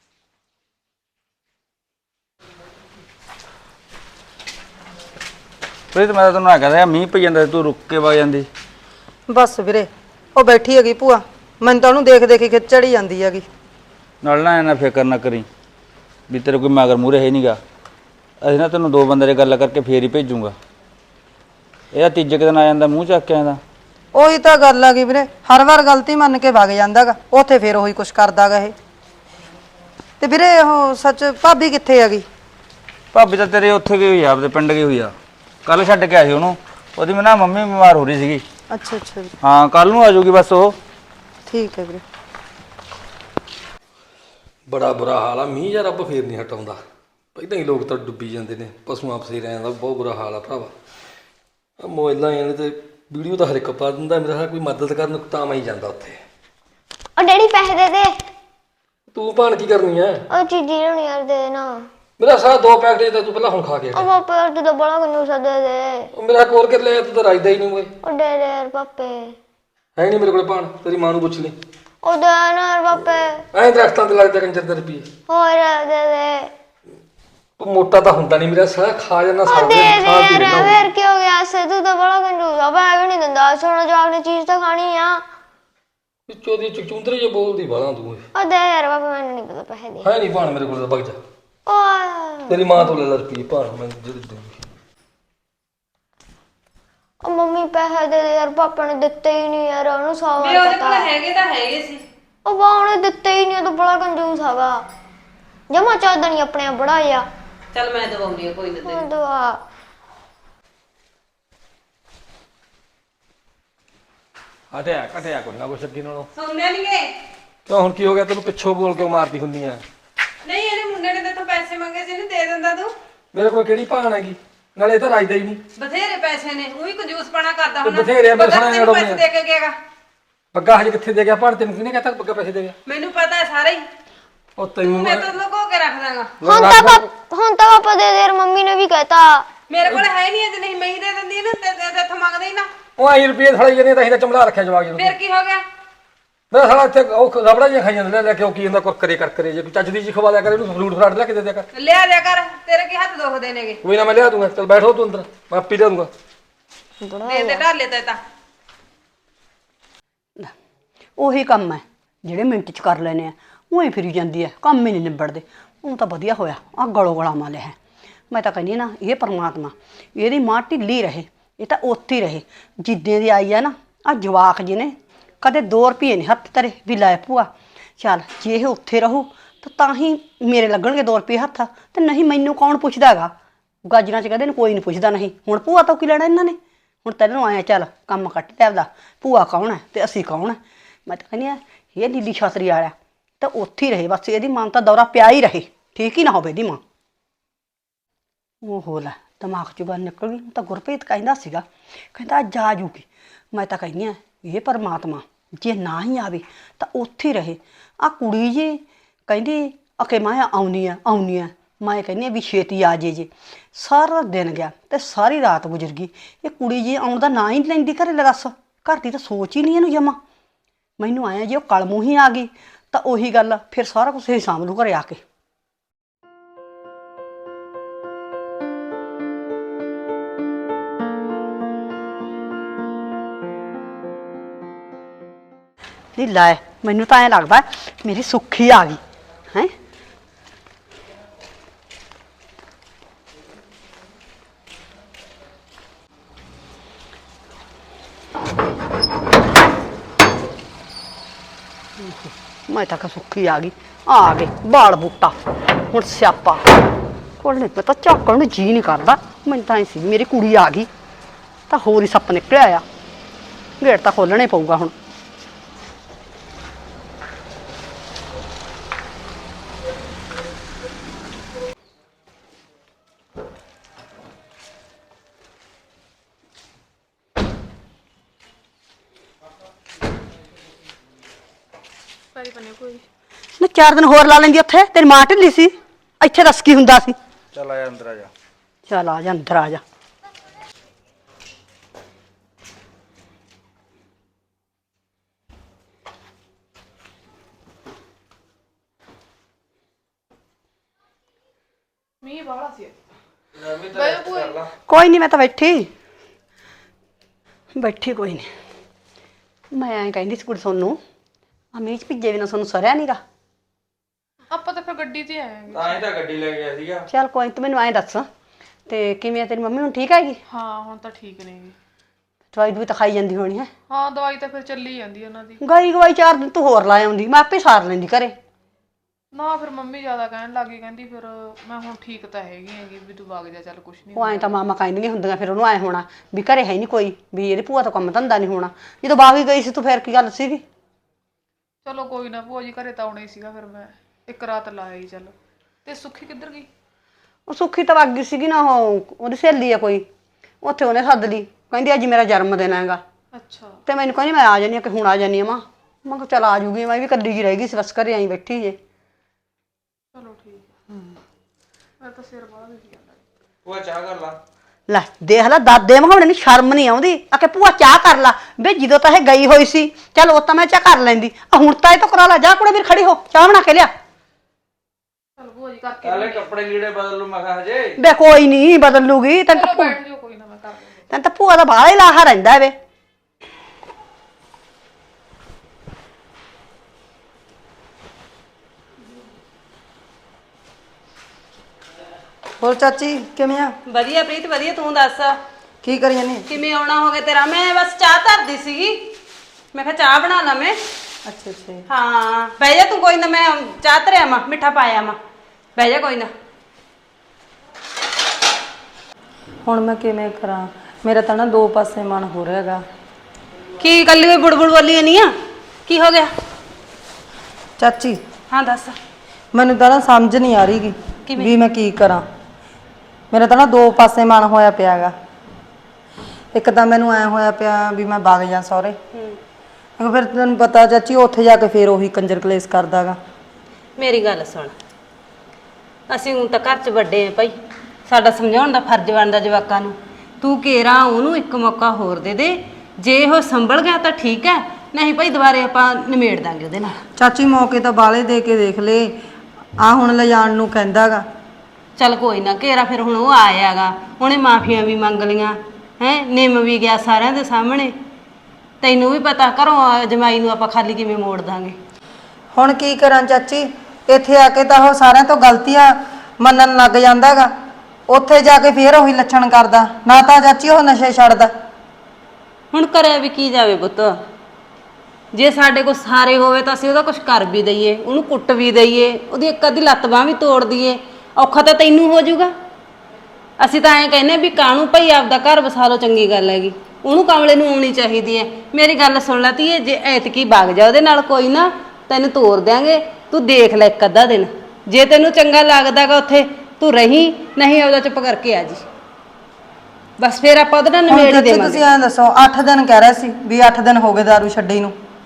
ਪ੍ਰੀਤ ਮੈਂ ਤਾਂ ਤੈਨੂੰ ਆ ਕਹਿੰਦਾ ਮੀਂਹ ਪਈ ਜਾਂਦਾ ਤੂੰ ਰੁੱਕ ਕੇ ਵਗ ਜਾਂਦੀ। ਬਸ ਵੀਰੇ ਉਹ ਬੈਠੀ ਹੈਗੀ ਭੂਆ, ਮੈਨੂੰ ਤਾਂ ਉਹਨੂੰ ਦੇਖ ਦੇਖ ਕੇ ਖਿੱਚ ਚੜੀ ਜਾਂਦੀ ਹੈਗੀ। ਨਾਲ ਨਾ ਇਹਨਾਂ ਫਿਕਰ ਨਾ ਕਰੀ ਵੀ ਤੇਰੇ ਕੋਈ ਮਗਰ ਮੂਹਰੇ ਹੈ ਨਹੀਂਗਾ। ਅਸੀਂ ਨਾ ਤੈਨੂੰ 2 ਬੰਦੇ ਦੀ ਗੱਲ ਕਰਕੇ ਫੇਰ ਹੀ ਭੇਜੂਗਾ। ਇਹ ਤੀਜੇ ਕੁ ਦਿਨ ਆ ਜਾਂਦਾ ਮੂੰਹ ਚੱਕ ਕੇ ਆਂਦਾ। ਉਹੀ ਤਾਂ ਗੱਲ ਆ ਗਈ ਵੀਰੇ, ਹਰ ਵਾਰ ਗਲਤੀ ਮੰਨ ਕੇ ਵਗ ਜਾਂਦਾਗਾ, ਉੱਥੇ ਫੇਰ ਉਹੀ ਕੁਛ ਕਰਦਾਗਾ ਇਹ। ਤੇ ਵੀਰੇ ਉਹ ਸੱਚ ਭਾਬੀ ਕਿੱਥੇ ਹੈਗੀ? ਭਾਬੀ ਤਾਂ ਤੇਰੇ ਉੱਥੇ ਗਈ ਹੋਈ ਆ, ਆਪਦੇ ਪਿੰਡ ਗਈ ਹੋਈ ਆ। ਕੱਲ ਛੱਡ ਕੇ ਆਈ ਉਹਨੂੰ, ਉਹਦੀ ਮੈਂ ਨਾ ਮੰਮੀ ਬਿਮਾਰ ਹੋ ਰਹੀ ਸੀਗੀ। ਅੱਛਾ ਅੱਛਾ ਵੀਰੇ, ਹਾਂ ਕੱਲ ਨੂੰ ਆ ਜਾਊਗੀ ਬਸ ਉਹ। ਠੀਕ ਹੈ ਵੀਰੇ। ਬੜਾ ਬੁਰਾ ਹਾਲ ਆ, ਮੀਂਹ ਜਾਂ ਰੱਬ ਫੇਰ ਨਹੀਂ ਹਟਾਉਂਦਾ। ਪਹਿਲਾਂ ਹੀ ਲੋਕ ਤਾਂ ਡੁੱਬੀ ਜਾਂਦੇ ਨੇ, ਪਸ਼ੂਆਂ ਫਸੇਰਿਆਂ ਦਾ ਬਹੁਤ ਬੁਰਾ ਹਾਲ ਆ ਭਰਾਵਾ। ਆਹ ਮੋਬਾਈਲਾਂ ਇਹਨੇ ਤੇ ਵੀਡੀਓ ਤਾਂ ਹਰ ਇੱਕ ਪਾ ਦਿੰਦਾ, ਮੇਰਾ ਖਿਆਲ ਕੋਈ ਮਦਦ ਕਰਨ ਨੂੰ ਤਾਂ ਮੈਂ ਹੀ ਜਾਂਦਾ ਉੱਥੇ। ਉਹ ਡੈਡੀ ਪੈਸੇ ਦੇ ਦੇ। ਤੂੰ ਭਾਣ ਕੀ ਕਰਨੀ ਐ? ਉਹ ਚੀਜ਼ੀ ਲੈਣੀ ਯਾਰ, ਦੇ ਦੇਣਾ। ਮੇਰਾ ਸਾਰਾ 2 ਪੈਕਟ ਤਾਂ ਤੂੰ ਪਹਿਲਾਂ ਹੁਣ ਖਾ ਕੇ ਉਹ ਪਾਪੇ ਯਾਰ ਤੂੰ ਤਾਂ ਬੜਾ ਕੰਜੂਸ ਦੇ ਦੇ। ਉਹ ਮੇਰਾ ਕੋਲ ਕਰ ਲਿਆ, ਤੂੰ ਤਾਂ ਰਾਜਦਾ ਹੀ ਨਹੀਂ ਓਏ। ਉਹ ਦੇ ਦੇ ਯਾਰ ਪਾਪੇ। ਹੈ ਨਹੀਂ ਮੇਰੇ ਕੋਲ ਭਾਣ, ਤੇਰੀ ਮਾਂ ਨੂੰ ਪੁੱਛ ਲਈ। ਉਹ ਦੇ ਨਾ ਯਾਰ ਪਾਪੇ। ਐਂ ਦਰਖਤਾਂ ਤੇ ਲੱਗਦਾ ਕੰਜਰ ਦੇ ਰੁਪਈਏ। ਹੋਰ ਦੇ ਦੇ। ਤੂੰ ਮੋਟਾ ਤਾਂ ਹੁੰਦਾ ਨਹੀਂ ਮੇਰਾ ਸਾਰਾ, ਖਾ ਜਾਂਦਾ ਉਹ ਸਾਰਾ ਦੇ ਦਿਨ, ਦੇ ਖਾ ਪੀ ਯਾਰ, ਲੈਂਦਾ। ਫੇਰ ਕੀ ਹੋ ਗਿਆ? ਸੇ ਤੂੰ ਤਾਂ ਬੜਾ ਕੰਜੂਸ ਆ, ਮੈਂ ਵੀ ਨਹੀਂ ਦਿੰਦਾ। ਸੋਣਾ ਜਵਾਬ ਨੇ ਚੀਜ਼ ਤਾਂ ਖਾਣੀ ਆ। ਵਿੱਚੋਂ ਦੀ ਚੁੰਦਰੇ ਜੇ ਬੋਲਦੀ ਬਾਲਾਂ ਤੂੰ। ਉਹ ਦੇ ਯਾਰ ਪਾਪੇ, ਮੈਨੂੰ ਨਹੀਂ ਪਤਾ, ਪੈਸੇ ਦੇ। ਹੈ ਨਹੀਂ ਭਾਣ ਮੇਰੇ ਕੋਲ, ਤਾਂ ਵਗ ਜਾ। ਉਹ ਤੇਰੀ ਮਾਂ ਤੋਂ ਲੈ ਲੈ ਰੁਪਈਏ ਭਾਣ, ਮੈਂ ਜਿਹੜੇ ਦੂੰਗੀ। ਮੰਮੀ ਪੈਸੇ ਦੇ ਦੇ ਯਾਰ, ਪਾਪਾ ਨੇ ਦਿੱਤੇ ਹੀ ਨਹੀਂ ਯਾਰ, ਉਹਨੂੰ 100 ਵੀ ਵਾਰ ਉਹਦੇ ਕੋਲ ਪਤਾ। ਹੈਗੇ ਤਾਂ ਹੈਗੇ ਸੀ। ਉਹ ਬਾ ਉਹਨੇ ਦਿੱਤੇ ਹੀ ਨਹੀਂ, ਉਹ ਤਾਂ ਬੜਾ ਕੰਜੂਸ ਹੈਗਾ। ਜਮਾ ਚਾਹਦਾ ਨਹੀਂ ਆਪਣੇ ਆਪ ਬੜਾ ਆ। ਚੱਲ ਮੈਂ ਦਵਾਉਂਦੀ ਆ, ਕੋਈ ਨਾ ਦੇ। ਦੁਆ ਘਟਿਆ ਕੋਈ ਨਾ ਕੁਛ ਅੱਗੇ ਨਾਲੋਂ। ਸੁਣਦੇ ਨਹੀਂਗੇ। ਕਿਉਂ ਹੁਣ ਕੀ ਹੋ ਗਿਆ? ਤੈਨੂੰ ਪਿੱਛੋਂ ਬੋਲ ਕੇ ਮਾਰਦੀ ਹੁੰਦੀ ਆ। ਨਹੀਂ ਇਹਨੇ ਮੁੰਡੇ ਨੇ ਤੇਥੋਂ ਪੈਸੇ ਮੰਗੇ ਸੀ, ਇਹਨੂੰ ਦੇ ਦਿੰਦਾ ਤੂੰ। ਮੇਰੇ ਕੋਲ ਕਿਹੜੀ ਭਾਣ ਹੈਗੀ? ਨਾਲੇ ਇਹ ਤਾਂ ਰਾਜਦਾ ਹੀ ਨਹੀਂ। ਬਥੇਰੇ ਪੈਸੇ ਨੇ, ਉਹੀ ਕੰਜੂਸਪਣਾ ਕਰਦਾ ਤੇ ਹੁਣ। ਬਥੇਰੇ ਆ, ਮੇਰੇ ਪਤਾ ਸਾਹਮਣੇ ਤੈਨੂੰ ਪੈਸੇ ਅੜੋਨੇ। ਦੇ ਕੇ ਗਿਆਗਾ। ਬੱਗਾ ਹਜੇ ਕਿੱਥੇ ਦੇ ਗਿਆ ਭਾਣ? ਤੈਨੂੰ ਕਿਹਨੇ ਕਹਤਾ ਬੱਗਾ ਪੈਸੇ ਦੇ ਗਿਆ? ਮੈਨੂੰ ਪਤਾ ਹੈ ਸਾਰਾ ਹੀ, ਉਹ ਤੈਨੂੰ ਮੈਂ ਤਾਂ ਲੁਕੋ ਕੇ ਰੱਖ ਦਾਂਗਾ। ਹੁਣ ਤਾਂ ਪਾਪਾ ਦੇ ਦੇ ਯਾਰ, ਮੰਮੀ ਨੇ ਵੀ ਕਹਿਤਾ। ਮੇਰੇ ਕੋਲ ਹੈ ਨਹੀਂ, ਅੱਜ ਨਹੀਂ ਮੈਂ ਹੀ ਦੇ ਦਿੰਦੀ ਇਹਨੂੰ, ਤੇ ਇੱਥੋਂ ਮੰਗਦੇ ਹੀ ਨਾ। ਉਹ ਆਈ ਰੁਪਏ ਥੜਾਈ ਜਾਂਦੇ ਤਾਂ ਅਸੀਂ ਤਾਂ ਚਮਲਾ ਰੱਖਿਆ ਜਵਾਗ ਜਦੋਂ। ਫਿਰ ਕੀ ਹੋ ਗਿਆ? ਮੇਰਾ ਸਾਲਾ ਇੱਥੇ ਉਹ ਰਬੜਾ ਜਿਹਾ ਖਾਈ ਜਾਂਦਾ, ਲੈ ਕੇ ਉਹ ਕੀ ਜਾਂਦਾ ਕੁਰਕਰੇ ਕਰਕਰੇ ਜੇ ਕੋਈ ਚੱਜ ਦੀ ਜੀ ਖਵਾ ਲਿਆ ਕਰ, ਇਹਨੂੰ ਫਲੂਟ ਫਰਾਟ ਲੈ ਕੇ ਦੇ ਦਿਆ ਕਰ। ਲਿਆ ਦਿਆ ਕਰ, ਤੇਰੇ ਕੀ ਹੱਥ ਦੁਖਦੇ ਨੇਗੇ। ਕੋਈ ਨਾ ਮੈਂ ਲਿਆ ਦੂੰਗਾ, ਚੱਲ ਬੈਠੋ ਤੂੰ ਅੰਦਰ, ਮੈਂ ਆਪੀ ਲਿਆ ਦੂੰਗਾ। ਦੇ ਦੇ ਢਾਲੇ ਤੇ ਤਾਂ। ਉਹੀ ਕੰਮ ਹੈ ਜਿਹੜੇ ਮਿੰਟ 'ਚ ਕਰ ਲੈਨੇ ਆ, ਉਹੀ ਫਿਰੀ ਜਾਂਦੀ ਹੈ, ਕੰਮ ਹੀ ਨਹੀਂ ਨਿਬੜਦੇ। ਉਹ ਤਾਂ ਵਧੀਆ ਹੋਇਆ ਆ ਗਲੋਂ ਗਲਾ ਮਾ ਲਿਆ। ਮੈਂ ਤਾਂ ਕਹਿੰਦੀ ਨਾ, ਇਹ ਪਰਮਾਤਮਾ ਇਹਦੀ ਮਾਂ ਢਿੱਲੀ ਰਹੇ, ਇਹ ਤਾਂ ਉੱਥੇ ਹੀ ਰਹੇ। ਜਿੱਦਾਂ ਦੀ ਆਈ ਆ ਨਾ ਆ ਜਵਾਕ ਜਿਹਨੇ ਕਦੇ 2 ਰੁਪਏ ਨਹੀਂ ਹੱਥ ਧਰੇ ਵੀ ਲੈ ਭੂਆ ਚੱਲ, ਜੇ ਇਹ ਉੱਥੇ ਰਹੂ ਤਾਂ ਹੀ ਮੇਰੇ ਲੱਗਣਗੇ 2 ਰੁਪਏ ਹੱਥ, ਤੇ ਨਹੀਂ ਮੈਨੂੰ ਕੌਣ ਪੁੱਛਦਾ ਹੈਗਾ। ਗਾਜਰਾਂ 'ਚ ਕਹਿੰਦੇ ਨੇ ਕੋਈ ਨਹੀਂ ਪੁੱਛਦਾ, ਨਹੀਂ ਹੁਣ ਭੂਆ ਤੋਂ ਕੀ ਲੈਣਾ ਇਹਨਾਂ ਨੇ। ਹੁਣ ਤੈਨੂੰ ਆਇਆ ਚੱਲ ਕੰਮ ਕੱਟ ਲਿਆ ਆਪਦਾ, ਭੂਆ ਕੌਣ ਹੈ ਤੇ ਅਸੀਂ ਕੌਣ ਹੈ। ਮੈਂ ਤਾਂ ਕਹਿੰਦੀ ਆ ਇਹ ਨੀਲੀ ਛਤਰੀ ਵਾਲਾ ਤਾਂ ਉੱਥੇ ਹੀ ਰਹੇ, ਬਸ ਇਹਦੀ ਮਾਂ ਤਾਂ ਦੌਰਾ ਪਿਆ ਹੀ ਰਹੇ, ਠੀਕ ਹੀ ਨਾ ਹੋਵੇ ਇਹਦੀ ਮਾਂ। ਉਹ ਹੋ ਲੈ ਦਿਮਾਗ 'ਚੋਂ ਗੱਲ ਨਿਕਲ ਗਈ। ਤਾਂ ਗੁਰਪ੍ਰੀਤ ਕਹਿੰਦਾ ਸੀਗਾ, ਕਹਿੰਦਾ ਅੱਜ ਆ ਜੂਗੀ। ਮੈਂ ਤਾਂ ਕਹਿੰਦੀ ਆ ਇਹ ਪਰਮਾਤਮਾ ਜੇ ਨਾ ਹੀ ਆਵੇ ਤਾਂ ਉੱਥੇ ਹੀ ਰਹੇ। ਆ ਕੁੜੀ ਜੀ ਕਹਿੰਦੀ ਅਕੇ ਮੈਂ ਆਉਣੀ ਆ ਮੈਂ ਕਹਿੰਦੀ ਵੀ ਛੇਤੀ ਆ ਜੇ ਸਾਰਾ ਦਿਨ ਗਿਆ ਤੇ ਸਾਰੀ ਰਾਤ ਗੁਜ਼ਰ ਗਈ। ਇਹ ਕੁੜੀ ਜੀ ਆਉਣ ਦਾ ਨਾਂ ਹੀ ਨਹੀਂ ਲੈਂਦੀ ਘਰੇ। ਲੈ ਦੱਸ, ਘਰ ਦੀ ਤਾਂ ਸੋਚ ਹੀ ਨਹੀਂ ਇਹਨੂੰ ਜਮਾ। ਮੈਨੂੰ ਆਇਆ ਜੇ ਉਹ ਕਲਮੂ ਹੀ ਆ ਗਈ ਤਾਂ ਉਹੀ ਗੱਲ, ਫਿਰ ਸਾਰਾ ਕੁਛ ਹੀ ਸਾਂਭ ਲੂ ਘਰੇ ਆ ਕੇ। ਨਹੀਂ ਲੈ, ਮੈਨੂੰ ਤਾਂ ਐਂ ਲੱਗਦਾ ਮੇਰੀ ਸੁੱਖੀ ਆ ਗਈ ਹੈ। ਮੈਂ ਤਾਂ ਸੁੱਖੀ ਆ ਗਈ। ਆ ਗਏ ਬਾਲ ਬੂਟਾ, ਹੁਣ ਸਿਆਪਾ ਕੋਲ ਨਹੀਂ ਪਤਾ, ਝਾਕਣ ਨੂੰ ਜੀ ਨਹੀਂ ਕਰਦਾ। ਮੈਨੂੰ ਤਾਂ ਐਂ ਸੀ ਮੇਰੀ ਕੁੜੀ ਆ ਗਈ ਤਾਂ ਹੋਰ ਹੀ ਸੱਪ ਨਿਕਲਿਆ ਆ। ਗੇਟ ਤਾਂ ਖੋਲ੍ਹਣਾ ਹੀ ਪਊਗਾ ਹੁਣ। ਨਾ 4 ਦਿਨ ਹੋਰ ਲਾ ਲੈਂਦੀ ਉੱਥੇ, ਤੇਰੀ ਮਾਂ ਢਿੱਲੀ ਸੀ। ਇੱਥੇ ਦੱਸ ਕੀ ਹੁੰਦਾ ਸੀ। ਚੱਲ ਆ ਜਾ ਅੰਦਰ ਆ ਜਾ। ਚੱਲ ਆ ਜਾ ਅੰਦਰ ਆ ਜਾ। ਕੋਈ ਨਹੀਂ, ਮੈਂ ਤਾਂ ਬੈਠੀ ਕੋਈ ਨਹੀਂ। ਮੈਂ ਐਂ ਕਹਿੰਦੀ ਸੀ ਕੁੜੀ ਸੋਨੂੰ, ਆ ਮੀਂਹ 'ਚ ਭਿੱਜੇ ਬਿਨਾਂ ਤੁਹਾਨੂੰ ਸਰਿਆ ਨੀਗਾ। ਆਪਾਂ ਤਾਂ ਫਿਰ ਗੱਡੀ 'ਤੇ ਆਏ ਤਾਂ ਹੀ ਤਾਂ ਗੱਡੀ ਲੈ ਗਿਆ ਸੀਗਾ। ਚੱਲ ਕੋਈ ਨੀ, ਤੂੰ ਮੈਨੂੰ ਐਂ ਦੱਸ ਤੇ ਕਿਵੇਂ ਆ ਤੇਰੀ ਮੰਮੀ? ਹੁਣ ਠੀਕ ਹੈਗੀ? ਹਾਂ ਹੁਣ ਤਾਂ ਠੀਕ ਨੇਗੀ। ਦਵਾਈ ਦੂਈ ਤਾਂ ਖਾਈ ਜਾਂਦੀ ਹੋਣੀ ਹੈ? ਹਾਂ ਦਵਾਈ ਤਾਂ ਫਿਰ ਚੱਲੀ ਜਾਂਦੀ ਉਹਨਾਂ ਦੀ। ਗਈ 4 ਦਿਨ ਤੂੰ ਹੋਰ ਲਾ ਆਉਂਦੀ, ਮੈਂ ਆਪੇ ਸਾਰ ਲੈਂਦੀ ਘਰੇ। ਨਾ ਫਿਰ ਮੰਮੀ ਜ਼ਿਆਦਾ ਕਹਿਣ ਲੱਗੀ, ਕਹਿੰਦੀ ਫਿਰ ਮੈਂ ਹੁਣ ਠੀਕ ਤਾਂ ਹੈਗੀ ਵੀ ਤੂੰ ਵਗ ਜਾ, ਚੱਲ ਕੁਛ ਨਹੀਂ। ਉਹ ਐਂ ਤਾਂ ਮਾਮਾ ਕਹਿੰਦੀਆਂ ਹੁੰਦੀਆਂ, ਫਿਰ ਉਹਨੂੰ ਐਂ ਹੋਣਾ ਵੀ ਘਰੇ ਹੈ ਨਹੀਂ ਕੋਈ, ਵੀ ਇਹਦੇ ਭੂਆ ਤੋਂ ਕੰਮ ਧੰਦਾ ਨਹੀਂ ਹੋਣਾ। ਜਦੋਂ ਬਾਗੀ ਗਈ ਸੀ ਤੂੰ, ਫਿਰ ਕੀ ਗੱਲ ਸੀਗੀ? ਚਲੋ ਕੋਈ ਨਾ, ਭੂਆ ਜੀ ਘਰੇ ਤਾਂ ਆਉਣਾ ਹੀ ਸੀਗਾ, ਫਿਰ ਮੈਂ ਇੱਕ ਰਾਤ ਲਾਇਆ ਹੀ। ਚੱਲ ਤੇ ਸੁੱਖੀ ਕਿੱਧਰ ਗਈ? ਉਹ ਸੁੱਖੀ ਤਾਂ ਵਗ ਗਈ ਸੀਗੀ ਨਾ, ਉਹਦੀ ਸਹੇਲੀ ਆ ਕੋਈ, ਉੱਥੇ ਉਹਨੇ ਸੱਦ ਲਈ। ਕਹਿੰਦੀ ਅੱਜ ਮੇਰਾ ਜਨਮ ਦਿਨ ਹੈਗਾ। ਅੱਛਾ। ਤੇ ਮੈਨੂੰ ਕਹਿੰਦੀ ਮੈਂ ਆ ਜਾਨੀ ਆ, ਕਿ ਹੁਣ ਆ ਜਾਨੀ ਆ। ਮੈਂ ਕਿਹਾ ਚੱਲ ਆ ਜੂਗੀ, ਮੈਂ ਵੀ ਇਕੱਲੀ ਜੀ ਰਹਿ ਗਈ ਸੀ, ਬਸ ਘਰੇ ਆਈ ਬੈਠੀ ਜੇ। ਚਲੋ ਠੀਕ ਹੈ। ਮੇਰਾ ਤਾਂ ਸਿਰ ਬਾਹਲਾ ਦੁਖੀ ਜਾਂਦਾ। ਉਹ ਚਾਹ ਕਰ ਲਾ। ਲੈ ਦੇਖ ਲੈ, ਦਾਦੇ ਮਹਾਉਣੇ ਨੂੰ ਸ਼ਰਮ ਨਹੀਂ ਆਉਂਦੀ। ਆਖੇ ਭੂਆ ਚਾਹ ਕਰ ਲਾ। ਵੇ ਜਦੋਂ ਤਾਂ ਇਹ ਗਈ ਹੋਈ ਸੀ ਚੱਲ ਉਹ ਤਾਂ ਮੈਂ ਚਾਹ ਕਰ ਲੈਂਦੀ, ਹੁਣ ਤਾਂ ਇਹ ਤਾਂ ਕਰਾ ਲਾ। ਜਾ ਕੁੜੇ ਵੀਰ ਖੜੀ ਹੋ, ਚਾਹ ਬਣਾ ਕੇ ਲਿਆ। ਚਲ ਭੂਆ ਜੀ ਕਰਕੇ ਪਹਿਲੇ ਕੱਪੜੇ ਲੀੜੇ ਬਦਲ ਲੂ ਮੈਂ ਕਿਹਾ ਹਜੇ। ਵੇ ਕੋਈ ਨਹੀਂ ਬਦਲ ਲੂਗੀ। ਤੈਨੂੰ ਤਾਂ ਬੈਠ ਜਾਓ, ਕੋਈ ਨਾ ਮੈਂ ਕਰ ਲੂੰਗੀ। ਤੈਨੂੰ ਤਾਂ ਭੂਆ ਦਾ ਬਾਹਲਾ ਹੀ ਲਾਹਾ ਰਹਿੰਦਾ ਵੇ। ਹੋਰ ਚਾਚੀ ਕਿਵੇਂ ਆ? ਵਧੀਆ ਪ੍ਰੀਤ, ਵਧੀਆ। ਤੂੰ ਦੱਸ ਕੀ ਕਰੀ ਜਾਨੀ? ਕਿਵੇਂ ਆਉਣਾ ਹੋ ਗਿਆ ਤੇਰਾ? ਮੈਂ ਬਸ ਚਾਹ ਧਰਦੀ ਸੀਗੀ, ਮੈਂ ਕਿਹਾ ਚਾਹ ਬਣਾ ਲਾ ਮੈਂ। ਅੱਛਾ ਅੱਛਾ। ਹਾਂ ਬਹਿ ਜਾ ਤੂੰ, ਕੋਈ ਨਾ, ਮੈਂ ਚਾਹ ਧਰਿਆ ਮਾ, ਮਿੱਠਾ ਪਾਇਆ ਮਾ, ਬਹਿ ਜਾ ਕੋਈ ਨਾ। ਹੁਣ ਮੈਂ ਕਿਵੇਂ ਕਰਾਂ? ਮੇਰਾ ਤਾਂ ਨਾ 2 ਪਾਸੇ ਮਨ ਹੋ ਰਿਹਾ ਹੈਗਾ। ਕੀ ਕੱਲੀ ਹੋਈ ਬੁੜਬੁੜ ਬੋਲੀ ਨਹੀਂ ਆ? ਕੀ ਹੋ ਗਿਆ? ਚਾਚੀ ਹਾਂ ਦੱਸ। ਮੈਨੂੰ ਤਾਂ ਨਾ ਸਮਝ ਨਹੀਂ ਆ ਰਹੀਗੀ ਵੀ ਮੈਂ ਕੀ ਕਰਾਂ। ਮੇਰਾ ਤਾਂ ਨਾ 2 ਪਾਸੇ ਮਨ ਹੋਇਆ ਪਿਆ ਹੈਗਾ। ਇੱਕ ਤਾਂ ਮੈਨੂੰ ਐ ਹੋਇਆ ਪਿਆ ਵੀ ਮੈਂ ਵਗ ਜਾ ਸਹੁਰੇ, ਫਿਰ ਤੈਨੂੰ ਪਤਾ ਚਾਚੀ ਉੱਥੇ ਜਾ ਕੇ ਫਿਰ ਉਹੀ ਕੰਜਰ ਕਲੇਸ਼ ਕਰਦਾਗਾ। ਮੇਰੀ ਗੱਲ ਸੁਣ, ਅਸੀਂ ਹੁਣ ਤਾਂ ਘਰ 'ਚ ਵੱਡੇ ਆ ਭਾਈ, ਸਾਡਾ ਸਮਝਾਉਣ ਦਾ ਫਰਜ਼ ਬਣਦਾ ਜਵਾਕਾਂ ਨੂੰ। ਤੂੰ ਕੇਰਾ ਉਹਨੂੰ ਇੱਕ ਮੌਕਾ ਹੋਰ ਦੇ ਦੇ, ਜੇ ਉਹ ਸੰਭਲ ਗਿਆ ਤਾਂ ਠੀਕ ਹੈ, ਨਹੀਂ ਭਾਈ ਦੁਬਾਰੇ ਆਪਾਂ ਨਿਮੇੜ ਦਾਂਗੇ ਉਹਦੇ ਨਾਲ। ਚਾਚੀ ਮੌਕੇ ਤਾਂ ਬਾਲੇ ਦੇ ਕੇ ਦੇਖ ਲੈ, ਆ ਹੁਣ ਲਿਜਾਣ ਨੂੰ ਕਹਿੰਦਾਗਾ। ਚੱਲ ਕੋਈ ਨਾ, ਘੇਰਾ ਫਿਰ ਹੁਣ ਉਹ ਆਇਆਗਾ, ਉਹਨੇ ਮਾਫੀਆਂ ਵੀ ਮੰਗ ਲੀਆਂ ਹੈ, ਨਿੰਮ ਵੀ ਗਿਆ ਸਾਰਿਆਂ ਦੇ ਸਾਹਮਣੇ। ਤੈਨੂੰ ਵੀ ਪਤਾ ਘਰੋਂ ਜਮਾਈ ਨੂੰ ਆਪਾਂ ਖਾਲੀ ਕਿਵੇਂ ਮੋੜ ਦਾਂਗੇ। ਹੁਣ ਕੀ ਕਰਾਂ ਚਾਚੀ? ਇੱਥੇ ਆ ਕੇ ਤਾਂ ਉਹ ਸਾਰਿਆਂ ਤੋਂ ਗਲਤੀਆਂ ਮੰਨਣ ਲੱਗ ਜਾਂਦਾਗਾ, ਉੱਥੇ ਜਾ ਕੇ ਫੇਰ ਉਹੀ ਲੱਛਣ ਕਰਦਾ। ਨਾ ਤਾਂ ਚਾਚੀ ਉਹ ਨਸ਼ੇ ਛੱਡਦਾ। ਹੁਣ ਕਰਿਆ ਵੀ ਕੀ ਜਾਵੇ ਪੁੱਤ, ਜੇ ਸਾਡੇ ਕੋਲ ਸਾਰੇ ਹੋਵੇ ਤਾਂ ਅਸੀਂ ਉਹਦਾ ਕੁਝ ਕਰ ਵੀ ਦਈਏ, ਉਹਨੂੰ ਕੁੱਟ ਵੀ ਦਈਏ, ਉਹਦੀ ਇੱਕ ਅੱਧੀ ਲੱਤ ਬਾਂਹ ਵੀ ਤੋੜ ਦਈਏ, ਔਖਾ ਤਾਂ ਤੈਨੂੰ ਹੋ ਜਾਊਗਾ। ਅਸੀਂ ਤਾਂ ਐਂ ਕਹਿੰਦੇ ਵੀ ਕਾਹਨੂੰ ਭਾਈ ਆਪਦਾ ਘਰ ਵਸਾ ਲਓ, ਚੰਗੀ ਗੱਲ ਹੈਗੀ, ਉਹਨੂੰ ਕਮਲੇ ਨੂੰ ਆਉਣੀ ਚਾਹੀਦੀ ਹੈ। ਮੇਰੀ ਗੱਲ ਸੁਣ ਲੈ ਧੀਏ, ਜੇ ਐਤਕੀ ਵਗ ਜਾ ਉਹਦੇ ਨਾਲ, ਕੋਈ ਨਾ ਤੈਨੂੰ ਤੋਰ ਦਿਆਂਗੇ, ਤੂੰ ਦੇਖ ਲੈ ਇੱਕ ਅੱਧਾ ਦਿਨ, ਜੇ ਤੈਨੂੰ ਚੰਗਾ ਲੱਗਦਾਗਾ ਉੱਥੇ ਤੂੰ ਰਹੀ, ਨਹੀਂ ਉਹਦਾ ਚੁੱਪ ਕਰਕੇ ਆ ਜੀ, ਬਸ ਫਿਰ ਆਪਾਂ ਉਹਦੇ ਨਾਲ ਨਿਬੇੜ ਚਾਚੀ ਦੇਵਾਂਗੇ। ਤੁਸੀਂ ਐਂ ਦੱਸੋ, 8 ਦਿਨ ਕਹਿ ਰਿਹਾ ਸੀ ਵੀ 8 ਦਿਨ ਹੋ ਗਏ ਦਾਰੂ ਛੱਡੀ ਨੂੰ,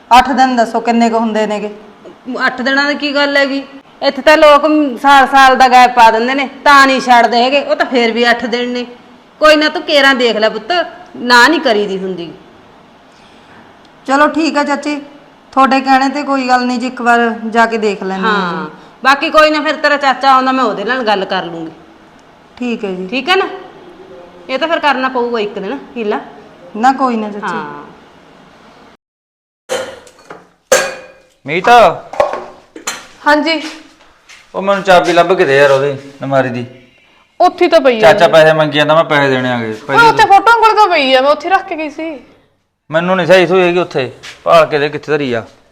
8 ਦਿਨ ਦੱਸੋ ਕਿੰਨੇ ਕੁ ਹੁੰਦੇ ਨੇਗੇ? 8 ਦਿਨਾਂ ਦੀ ਕੀ ਗੱਲ ਹੈਗੀ? ਇੱਥੇ ਤਾਂ ਲੋਕ ਸਾਲ ਦਾ ਗੈਪ ਪਾ ਦਿੰਦੇ ਨੇ, ਤਾਂ ਨਹੀਂ ਛੱਡਦੇ ਹੈਗੇ। ਉਹ ਤਾਂ ਫੇਰ ਵੀ 8 ਦਿਨ ਨੇ। ਕੋਈ ਨਾ ਤੂੰ ਕੇਰਾਂ ਦੇਖ ਲੈ ਪੁੱਤ, ਨਾ ਨਹੀਂ ਕਰੀਦੀ ਹੁੰਦੀ। ਚਲੋ ਠੀਕ ਆ ਚਾਚੀ, ਤੁਹਾਡੇ ਕਹਿਣੇ ਤੇ ਕੋਈ ਗੱਲ ਨਹੀਂ ਜੀ, ਇੱਕ ਵਾਰ ਜਾ ਕੇ ਦੇਖ ਲੈਂਦੇ ਹਾਂ ਹਾਂ ਜੀ। ਬਾਕੀ ਕੋਈ ਨਾ, ਫਿਰ ਤੇਰਾ ਚਾਚਾ ਆਉਂਦਾ, ਮੈਂ ਉਹਦੇ ਨਾਲ ਗੱਲ ਕਰ ਲੂੰਗੀ। ਠੀਕ ਹੈ ਜੀ। ਠੀਕ ਹੈ ਨਾ? ਇਹ ਤਾਂ ਫਿਰ ਕਰਨਾ ਪਊਗਾ ਇੱਕ ਦਿਨ ਹੀਲਾ। ਨਾ ਕੋਈ ਨਾ ਚਾਚੀ। ਹਾਂ ਮੀਤ, ਹਾਂਜੀ, ਉਹ ਮੈਨੂੰ ਚਾਬੀ ਲੱਭ ਕੇ ਦੇ ਯਾਰ ਉਹਦੀ ਨਮਾਰੀ ਦੀ। ਉੱਥੇ ਤਾਂ ਪਈ ਆ। ਚਾਚਾ ਪੈਸੇ ਮੰਗੀ ਜਾਂਦਾ, ਮੈਂ ਪੈਸੇ ਦੇਣੇ ਆਗੇ ਓਏ ਉੱਥੇ ਫੋਟੋਆਂ ਕੋਲ ਤਾਂ ਪਈ ਆ, ਮੈਂ ਉੱਥੇ ਰੱਖ ਕੇ ਗਈ ਸੀ। ਮੈਨੂੰ ਨਹੀਂ ਸਹੀ ਸੂਈ ਹੈਗੀ ਉੱਥੇ, ਭਾਲ ਕੇ ਦੇ ਕਿੱਥੇ ਧਰੀ ਆ।